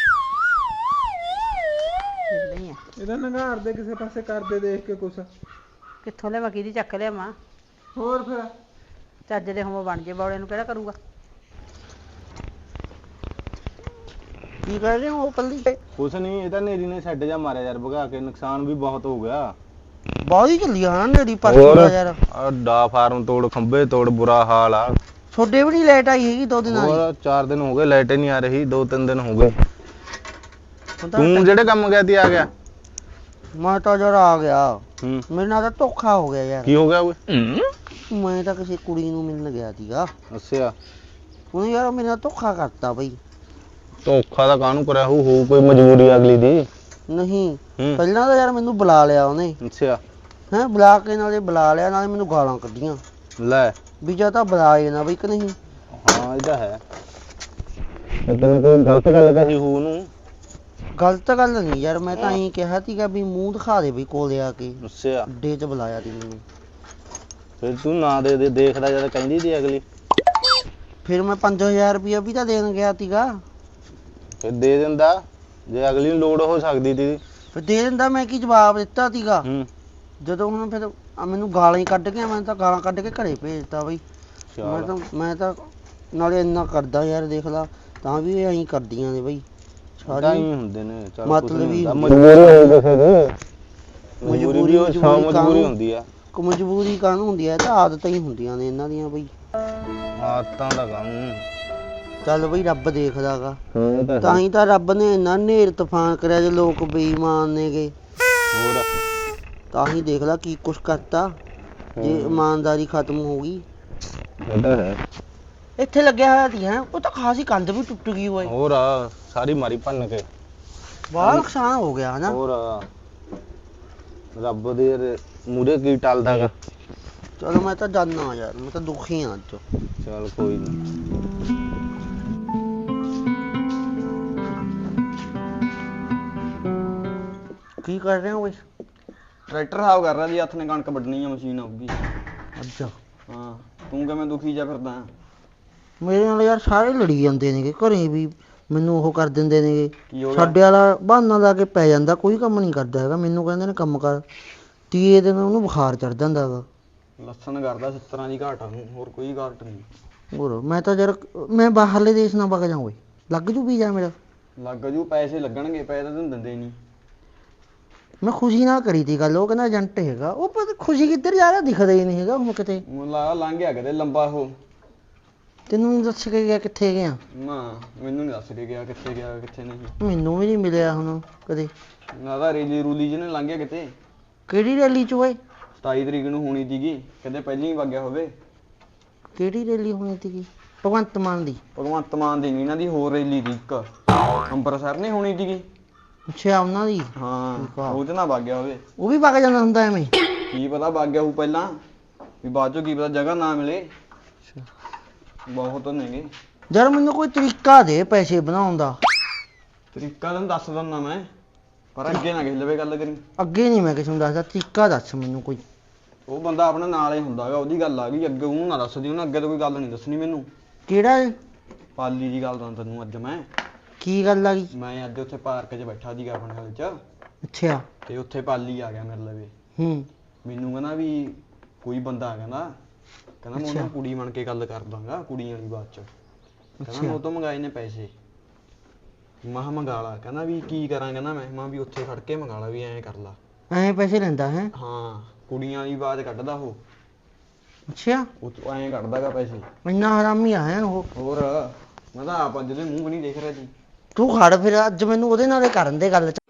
[SPEAKER 2] ਨਹੀਂ ਆ
[SPEAKER 4] ਇਹਦਾ ਨੰਗਾਰ ਦੇ ਕਿਸੇ ਪਾਸੇ ਕਰਦੇ ਦੇਖ ਕੇ ਕੁਛ
[SPEAKER 2] ਕਿੱਥੋਂ ਲਿਆਵਾਂ ਕਿਹਦੀ ਚੱਕ ਲਿਆਵਾਂ
[SPEAKER 4] ਹੋਰ ਫਿਰ।
[SPEAKER 2] ਚੱਜ ਦੇ ਹੋਮੋ ਬਣ ਜੇ ਬੌਲੇ ਨੂੰ ਕਿਹੜਾ ਕਰੂਗਾ
[SPEAKER 3] ਕੀ ਕਰ ਰਹੇ ਹੋ ਉਹ ਪੱਲੀ?
[SPEAKER 1] ਕੁਛ ਨਹੀਂ, ਇਹ ਤਾਂ ਨੇਰੀ ਨੇ ਛੱਡ ਜਾ ਮਾਰਿਆ ਯਾਰ ਭਗਾ ਕੇ, ਨੁਕਸਾਨ ਵੀ ਬਹੁਤ ਹੋ ਗਿਆ।
[SPEAKER 3] ਬਾਹਰ ਹੀ ਚੱਲੀ ਆ ਨਾ ਨੇੜੀ ਪਰਸੋਂ ਦਾ ਯਾਰ।
[SPEAKER 1] ਆ ਡਾ ਫਾਰਮ ਤੋੜ, ਖੰਭੇ ਤੋੜ, ਬੁਰਾ ਹਾਲ ਆ।
[SPEAKER 3] ਛੋਡੇ ਵੀ ਨਹੀਂ ਲਾਈਟ ਆਈ ਹੈਗੀ ਦੋ ਦਿਨਾਂ ਦੀ।
[SPEAKER 1] ਹੋਰ ਚਾਰ ਦਿਨ ਹੋ ਗਏ ਲਾਈਟ ਹੀ ਨਹੀਂ ਆ ਰਹੀ, ਦੋ ਤਿੰਨ ਦਿਨ ਹੋ ਗਏ।
[SPEAKER 3] ਹੁਣ ਤਾਂ
[SPEAKER 1] ਤੂੰ ਜਿਹੜੇ ਕੰਮ ਗਿਆ ਤੀ ਆ ਗਿਆ?
[SPEAKER 3] ਮੈਂ ਤਾਂ ਜਰਾ ਆ ਗਿਆ।
[SPEAKER 1] ਹੂੰ,
[SPEAKER 3] ਮੇਰੇ ਨਾਲ ਤਾਂ ਧੋਖਾ ਹੋ ਗਿਆ ਯਾਰ।
[SPEAKER 1] ਕੀ ਹੋ ਗਿਆ ਓਏ?
[SPEAKER 3] ਮੈਂ ਤਾਂ ਕਿਸੇ ਕੁੜੀ ਨੂੰ ਮਿਲਣ ਗਿਆ ਸੀਗਾ,
[SPEAKER 1] ਅੱਛਾ,
[SPEAKER 3] ਉਹਨੇ ਯਾਰ ਮੇਰੇ ਨਾਲ ਧੋਖਾ ਕਰਤਾ ਬਈ।
[SPEAKER 1] ਧੋਖਾ ਤਾਂ ਕਾਹਨੂੰ ਕਰਿਆ ਹੋਊ, ਹੋਊ ਕੋਈ ਮਜਬੂਰੀ ਅਗਲੀ ਦੀ।
[SPEAKER 3] ਨਹੀਂ
[SPEAKER 1] ਹੂੰ,
[SPEAKER 3] ਪਹਿਲਾਂ ਤਾਂ ਯਾਰ ਮੈਨੂੰ ਬੁਲਾ ਲਿਆ ਉਹਨੇ,
[SPEAKER 1] ਅੱਛਾ,
[SPEAKER 3] ਹੈਂ ਬੁਲਾ ਕੇ ਨਾਲੇ ਬੁਲਾ ਲਿਆ ਨਾਲੇ ਮੈਨੂੰ ਗਾਲਾਂ ਕੱਢੀਆਂ
[SPEAKER 1] ਲੈ।
[SPEAKER 3] ਵੀ ਜਾਂ ਤਾਂ ਬੁਲਾਏ ਨਾ ਬਈ ਕਿ ਨਹੀਂ।
[SPEAKER 1] ਹਾਂ ਇਹ ਤਾਂ ਹੈ। ਤੈਨੂੰ ਕੋਈ ਗਲਤ ਗੱਲ ਕਹੀ ਹੋਊ ਉਹਨੂੰ?
[SPEAKER 3] ਗਲਤ ਗੱਲ ਨਹੀਂ ਯਾਰ, ਮੈਂ ਤਾਂ ਇਹੀ ਕਿਹਾ ਸੀਗਾ ਵੀ ਮੂੰਹ ਦਿਖਾ ਦੇ ਬਈ ਕੋਲੇ ਆ ਕੇ।
[SPEAKER 1] ਅੱਛਾ,
[SPEAKER 3] ਅੱਡੇ 'ਚ ਬੁਲਾਇਆ ਸੀ ਮੈਨੂੰ।
[SPEAKER 1] ਫਿਰ ਤੂੰ ਨਾ ਦੇ ਦੇ, ਦੇਖਦਾ ਜਦ ਕਹਿੰਦੀ ਸੀ ਅਗਲੀ।
[SPEAKER 3] ਫਿਰ ਮੈਂ ਪੰਜ ਹਜ਼ਾਰ ਰੁਪਇਆ ਵੀ ਤਾਂ ਦੇਣ ਗਿਆ ਸੀਗਾ।
[SPEAKER 1] ਫਿਰ ਦੇ ਦਿੰਦਾ ਜੇ ਅਗਲੀ ਨੂੰ ਲੋੜ ਹੋ ਸਕਦੀ ਸੀ।
[SPEAKER 3] ਫਿਰ ਦੇ ਦਿੰਦਾ, ਮੈਂ ਕੀ ਜਵਾਬ ਦਿੱਤਾ ਸੀਗਾ।
[SPEAKER 1] ਹੂੰ,
[SPEAKER 3] ਜਦੋਂ ਹੁਣ ਫਿਰ ਆ ਮੈਨੂੰ ਗਾਲਾਂ ਹੀ ਕੱਢ ਕੇ, ਮੈਂ ਤਾਂ ਗਾਲਾਂ ਕੱਢ ਕੇ ਘਰੇ ਭੇਜਤਾ ਬਈ। ਮੈਂ
[SPEAKER 1] ਚੱਲ
[SPEAKER 3] ਤਾਂ ਮੈਂ ਤਾਂ ਨਾਲੇ ਇੰਨਾ ਕਰਦਾ ਯਾਰ, ਦੇਖ ਲਾ ਤਾਂ ਵੀ ਇਹ ਐਂ ਕਰਦੀਆਂ ਨੇ ਬਈ
[SPEAKER 1] ਤਾਂ
[SPEAKER 3] ਸਾਰੀ।
[SPEAKER 1] ਹੀ ਹੁੰਦੇ ਨੇ। ਚੱਲ
[SPEAKER 3] ਮਤਲਬ
[SPEAKER 1] ਕੁਛ ਨੀ
[SPEAKER 3] ਹੀ
[SPEAKER 1] ਹੁੰਦਾ,
[SPEAKER 3] ਹੁੰਦੀ
[SPEAKER 1] ਮਜਬੂਰੀ ਹੋਊ ਕਿਸੇ ਦੀ।
[SPEAKER 3] ਮਜਬੂਰੀ-
[SPEAKER 1] ਮਜਬੂਰੀ ਉਹ ਸੌ
[SPEAKER 3] ਮਜਬੂਰੀ
[SPEAKER 1] ਮਜਬੂਰੀ
[SPEAKER 3] ਕਾਹਨੂੰ?
[SPEAKER 1] ਹੁੰਦੀ ਆ।
[SPEAKER 3] ਕੋ ਮਜਬੂਰੀ ਕਾਹਨੂੰ ਹੁੰਦੀ ਹੈ, ਇਹ ਤਾਂ ਆਦਤਾਂ ਹੀ ਹੁੰਦੀਆਂ ਨੇ ਇਹਨਾਂ ਦੀਆਂ ਬਈ।
[SPEAKER 1] ਆਦਤਾਂ ਦਾ ਕੰਮ।
[SPEAKER 3] ਚੱਲ ਬਈ ਰੱਬ ਦੇਖਦਾਗਾ,
[SPEAKER 1] ਹਾਂ ਇਹ ਤਾਂ
[SPEAKER 3] ਤਾਂ
[SPEAKER 1] ਹੈ।
[SPEAKER 3] ਹੀ ਤਾਂ ਰੱਬ ਨੇ ਇੰਨਾ ਨੇਰ ਤੂਫਾਨ ਕਰਿਆ ਜੇ ਲੋਕ ਬੇਈਮਾਨ ਨੇਗੇ।
[SPEAKER 1] ਹੋਰ
[SPEAKER 3] ਤਾਂ ਹੀ ਦੇਖ ਲਾ ਕੀ ਕੁਛ ਕਰਤਾ ਜੇ ਇਮਾਨਦਾਰੀ ਖਤਮ ਹੋ ਗਈ।
[SPEAKER 1] ਇਹ ਤਾਂ ਹੈ।
[SPEAKER 3] ਇੱਥੇ ਲੱਗਿਆ ਹੋਇਆ ਸੀ ਹੈ, ਉਹ ਤਾਂ ਖਾਸੀ ਕੰਧ ਵੀ ਟੁੱਟ ਗਈ ਓਏ।
[SPEAKER 1] ਹੋਰ ਆ, ਸਾਰੀ ਮਾਰੀ ਭੰਨ ਕੇ।
[SPEAKER 3] ਬੜਾ ਨੁਕਸਾਨ ਹੋ ਗਿਆ ਹਨਾ।
[SPEAKER 1] ਹੋਰ ਆ, ਰੱਬ ਦੇ ਮੂਰੇ ਕੀ ਟਲਦਾ ਗਾ।
[SPEAKER 3] ਚਲੋ ਮੈਂ ਤਾਂ ਜਾਨਾ ਯਾਰ, ਮੈਂ ਤਾਂ ਦੁਖੀ ਹਾਂ ਅੱਜ।
[SPEAKER 1] ਚੱਲ ਕੋਈ ਨਹੀਂ।
[SPEAKER 3] ਕੀ ਕਰ ਰਹੇ ਹੋ ਓਏ?
[SPEAKER 5] ਟਰੈਕਟਰ ਹਾਵ ਕਰ ਰਿਹਾ ਜੀ, ਹੱਥ ਨੇ ਕਣਕ ਵੱਢਣੀ ਆ, ਮਸ਼ੀਨ ਆਊਗੀ।
[SPEAKER 3] ਅੱਛਾ,
[SPEAKER 5] ਹਾਂ, ਤੂੰ ਕਿਵੇਂ ਦੁਖੀ ਜਾ ਫਿਰਦਾ?
[SPEAKER 3] ਮੇਰੇ ਨਾਲ ਯਾਰ ਸਾਰੇ ਲੜੀ ਜਾਂਦੇ ਨੇਗੇ ਘਰੇ ਵੀ, ਮੈਨੂੰ ਉਹ ਕਰ ਦਿੰਦੇ ਨੇਗੇ।
[SPEAKER 5] ਕੀ ਹੋ ਗਿਆ?
[SPEAKER 3] ਸਾਡੇ ਵਾਲਾ ਬਹਾਨਾ ਲਾ ਕੇ ਪੈ ਜਾਂਦਾ, ਕੋਈ ਕੰਮ ਨਹੀਂ ਕਰਦਾ ਹੈਗਾ। ਮੈਨੂੰ ਕਹਿੰਦੇ ਨੇ ਕੰਮ ਕਰ, ਤੀਏ ਦਿਨ ਉਹਨੂੰ ਬੁਖਾਰ ਚੜ ਜਾਂਦਾ ਹੈਗਾ।
[SPEAKER 5] ਲੱਸਣ ਕਰਦਾ ਸੱਤਰਾਂ ਦੀ ਘਾਟ ਆ ਉਹਨੂੰ, ਹੋਰ ਕੋਈ ਘਾਟ ਨਹੀਂ।
[SPEAKER 3] ਹੋਰ ਮੈਂ ਤਾਂ ਯਾਰ ਮੈਂ ਬਾਹਰਲੇ ਦੇਸ਼ ਨਾ ਵਗ ਜਾ ਓਏ, ਲੱਗ ਜੂ ਵੀਜ਼ਾ ਮੇਰਾ।
[SPEAKER 5] ਲੱਗ ਜੂ, ਪੈਸੇ ਲੱਗਣਗੇ, ਪੈਸੇ ਤਾਂ ਤੈਨੂੰ ਦਿੰਦੇ ਨਹੀਂ।
[SPEAKER 3] ਮੈਂ ਖੁਸ਼ੀ ਨਾਲ ਕਰੀ ਤੀ ਗੱਲ, ਉਹ ਕਹਿੰਦਾ ਏਜੰਟ ਹੈਗਾ। ਉਹ ਪਤਾ ਖੁਸ਼ੀ ਕਿੱਧਰ ਜਾ ਰਿਹਾ, ਦਿਖਦਾ ਹੀ ਨਹੀਂ ਹੈਗਾ ਹੁਣ ਕਿਤੇ।
[SPEAKER 5] ਮੈਨੂੰ ਲੱਗਾ ਲੰਘ ਗਿਆ ਕਿਤੇ ਲੰਬਾ ਉਹ।
[SPEAKER 3] ਤੈਨੂੰ ਨੀ ਦੱਸ ਕੇ ਗਿਆ ਕਿੱਥੇ ਗਿਆ?
[SPEAKER 5] ਨਾ ਮੈਨੂੰ ਨਹੀਂ ਦੱਸ ਕੇ ਗਿਆ ਕਿੱਥੇ ਗਿਆ ਕਿੱਥੇ ਨਹੀਂ।
[SPEAKER 3] ਮੈਨੂੰ ਵੀ ਨਹੀਂ ਮਿਲਿਆ ਹੁਣ ਕਦੇ।
[SPEAKER 5] ਨਾ ਤਾਂ ਰੇਲੀ ਰੂਲੀ ਜਿਹਨੇ ਲੰਘ ਗਿਆ ਕਿਤੇ।
[SPEAKER 3] ਕਿਹੜੀ ਰੈਲੀ ਚ ਓਏ?
[SPEAKER 5] ਸਤਾਈ ਤਰੀਕ ਨੂੰ ਹੋਣੀ ਸੀਗੀ, ਕਹਿੰਦੇ ਪਹਿਲਾਂ ਹੀ ਵਗ ਗਿਆ ਹੋਵੇ।
[SPEAKER 3] ਕਿਹੜੀ ਰੈਲੀ ਹੋਣੀ ਸੀਗੀ? ਭਗਵੰਤ ਮਾਨ ਦੀ?
[SPEAKER 5] ਭਗਵੰਤ ਮਾਨ ਦੀ ਨੀ, ਇਹਨਾਂ ਦੀ ਹੋਰ ਰੈਲੀ ਦੀ ਇੱਕ ਅੰਮ੍ਰਿਤਸਰ ਨਹੀਂ ਹੋਣੀ ਸੀਗੀ।
[SPEAKER 3] ਅੱਛਾ ਉਹਨਾਂ ਦੀ।
[SPEAKER 5] ਹਾਂ,
[SPEAKER 3] ਠੀਕ ਆ।
[SPEAKER 5] ਉਹ ਤੇ ਨਾ ਵਗ ਗਿਆ ਹੋਵੇ।
[SPEAKER 3] ਉਹ ਵੀ ਵਗ ਜਾਂਦਾ ਹੁੰਦਾ ਐਵੇਂ?
[SPEAKER 5] ਕੀ ਪਤਾ ਵਗ ਗਿਆ ਹੋਊ ਪਹਿਲਾਂ, ਵੀ ਬਾਅਦ ਚੋਂ ਕੀ ਪਤਾ ਜਗ੍ਹਾ ਨਾ ਮਿਲੇ। ਬਹੁਤ ਨੇਗੇ।
[SPEAKER 3] ਯਾਰ ਮੈਨੂੰ ਕੋਈ ਤਰੀਕਾ ਦੇ ਪੈਸੇ ਬਣਾਉਣ ਦਾ।
[SPEAKER 5] ਤਰੀਕਾ ਤੈਨੂੰ ਦੱਸ ਦਿੰਦਾ ਮੈਂ, ਪਰ ਅੱਗੇ ਨਾ ਕਿਸੇ ਲਵੇ ਗੱਲ ਕਰੀ।
[SPEAKER 3] ਅੱਗੇ ਨਹੀਂ ਮੈਂ ਕਿਸੇ ਨੂੰ ਦੱਸਦਾ, ਤਰੀਕਾ ਦੱਸ ਮੈਨੂੰ ਕੋਈ।
[SPEAKER 5] ਉਹ ਬੰਦਾ ਆਪਣੇ ਨਾਲ ਹੀ ਹੁੰਦਾਗਾ, ਉਹਦੀ ਗੱਲ ਆ ਗਈ। ਅੱਗੇ ਉਹਨੂੰ ਨਾ ਦੱਸਦੀ, ਉਹਨੇ ਅੱਗੇ ਤੋਂ ਕੋਈ ਗੱਲ ਨਹੀਂ ਦੱਸਣੀ ਮੈਨੂੰ।
[SPEAKER 3] ਕਿਹੜਾ ਏ?
[SPEAKER 5] ਪਾਲੀ ਦੀ ਗੱਲ ਤਾਂ ਤੈਨੂੰ ਅੱਜ ਮੈਂ
[SPEAKER 3] ਕੀ ਗੱਲ ਆ ਗਈ?
[SPEAKER 5] ਮੈਂ ਅੱਜ ਉੱਥੇ ਪਾਰਕ 'ਚ ਬੈਠਾ ਸੀਗਾ ਆਪਣੇ ਹਾਲ 'ਚ,
[SPEAKER 3] ਅੱਛਾ।
[SPEAKER 5] ਤੇ ਉੱਥੇ ਪਾਲੀ ਆ ਗਿਆ ਮੇਰੇ ਲਵੇ।
[SPEAKER 3] ਹੂੰ।
[SPEAKER 5] ਮੈਨੂੰ ਕਹਿੰਦਾ ਵੀ ਕੋਈ ਬੰਦਾ ਕਹਿੰਦਾ ਕਹਿੰਦਾ ਮੈਂ
[SPEAKER 3] ਅੱਛਾ।
[SPEAKER 5] ਉਹਨੂੰ ਕੁੜੀ ਬਣ ਕੇ ਗੱਲ ਕਰ ਦਾਂਗਾ, ਕੁੜੀ ਵਾਲੀ ਬਾਤ 'ਚ। ਕਹਿੰਦਾ
[SPEAKER 3] ਅੱਛਾ।
[SPEAKER 5] ਮੈਂ ਉਹ ਤੋਂ ਮੰਗਾਏ ਨੇ ਪੈਸੇ। ਮੈਂ ਕਿਹਾ ਮੰਗਾ ਲਾ। ਕਹਿੰਦਾ ਵੀ ਕੀ ਕਰਾਂ, ਕਹਿੰਦਾ ਮੈਂ ਮੈਂ ਵੀ ਉੱਥੇ ਖੜ ਕੇ ਮੰਗਾ ਲਾ, ਵੀ ਐਂ ਕਰ ਲਾ।
[SPEAKER 3] ਐਂ ਪੈਸੇ ਲੈਂਦਾ ਹੈ?
[SPEAKER 5] ਹਾਂ, ਕੁੜੀਆਂ ਵਾਲੀ ਆਵਾਜ਼ ਕੱਢਦਾ ਉਹ।
[SPEAKER 3] ਅੱਛਾ।
[SPEAKER 5] ਉਹ ਤੋਂ ਐਂ ਕੱਢਦਾਗਾ ਪੈਸੇ।
[SPEAKER 3] ਇੰਨਾ ਹਰਾਮੀ ਆ ਹੈ ਉਹ।
[SPEAKER 5] ਹੋਰ ਮੈਂ ਤਾਂ ਆਪ ਅੱਜ ਦੇ ਮੂੰਹ ਵੀ ਨਹੀਂ ਦੇਖ ਰਿਹਾ ਜੀ।
[SPEAKER 3] ਤੂੰ ਖੜ ਫਿਰ, ਅੱਜ ਮੈਨੂੰ ਉਹਦੇ ਨਾਲ ਹੀ ਕਰਨ ਦੇ ਗੱਲ।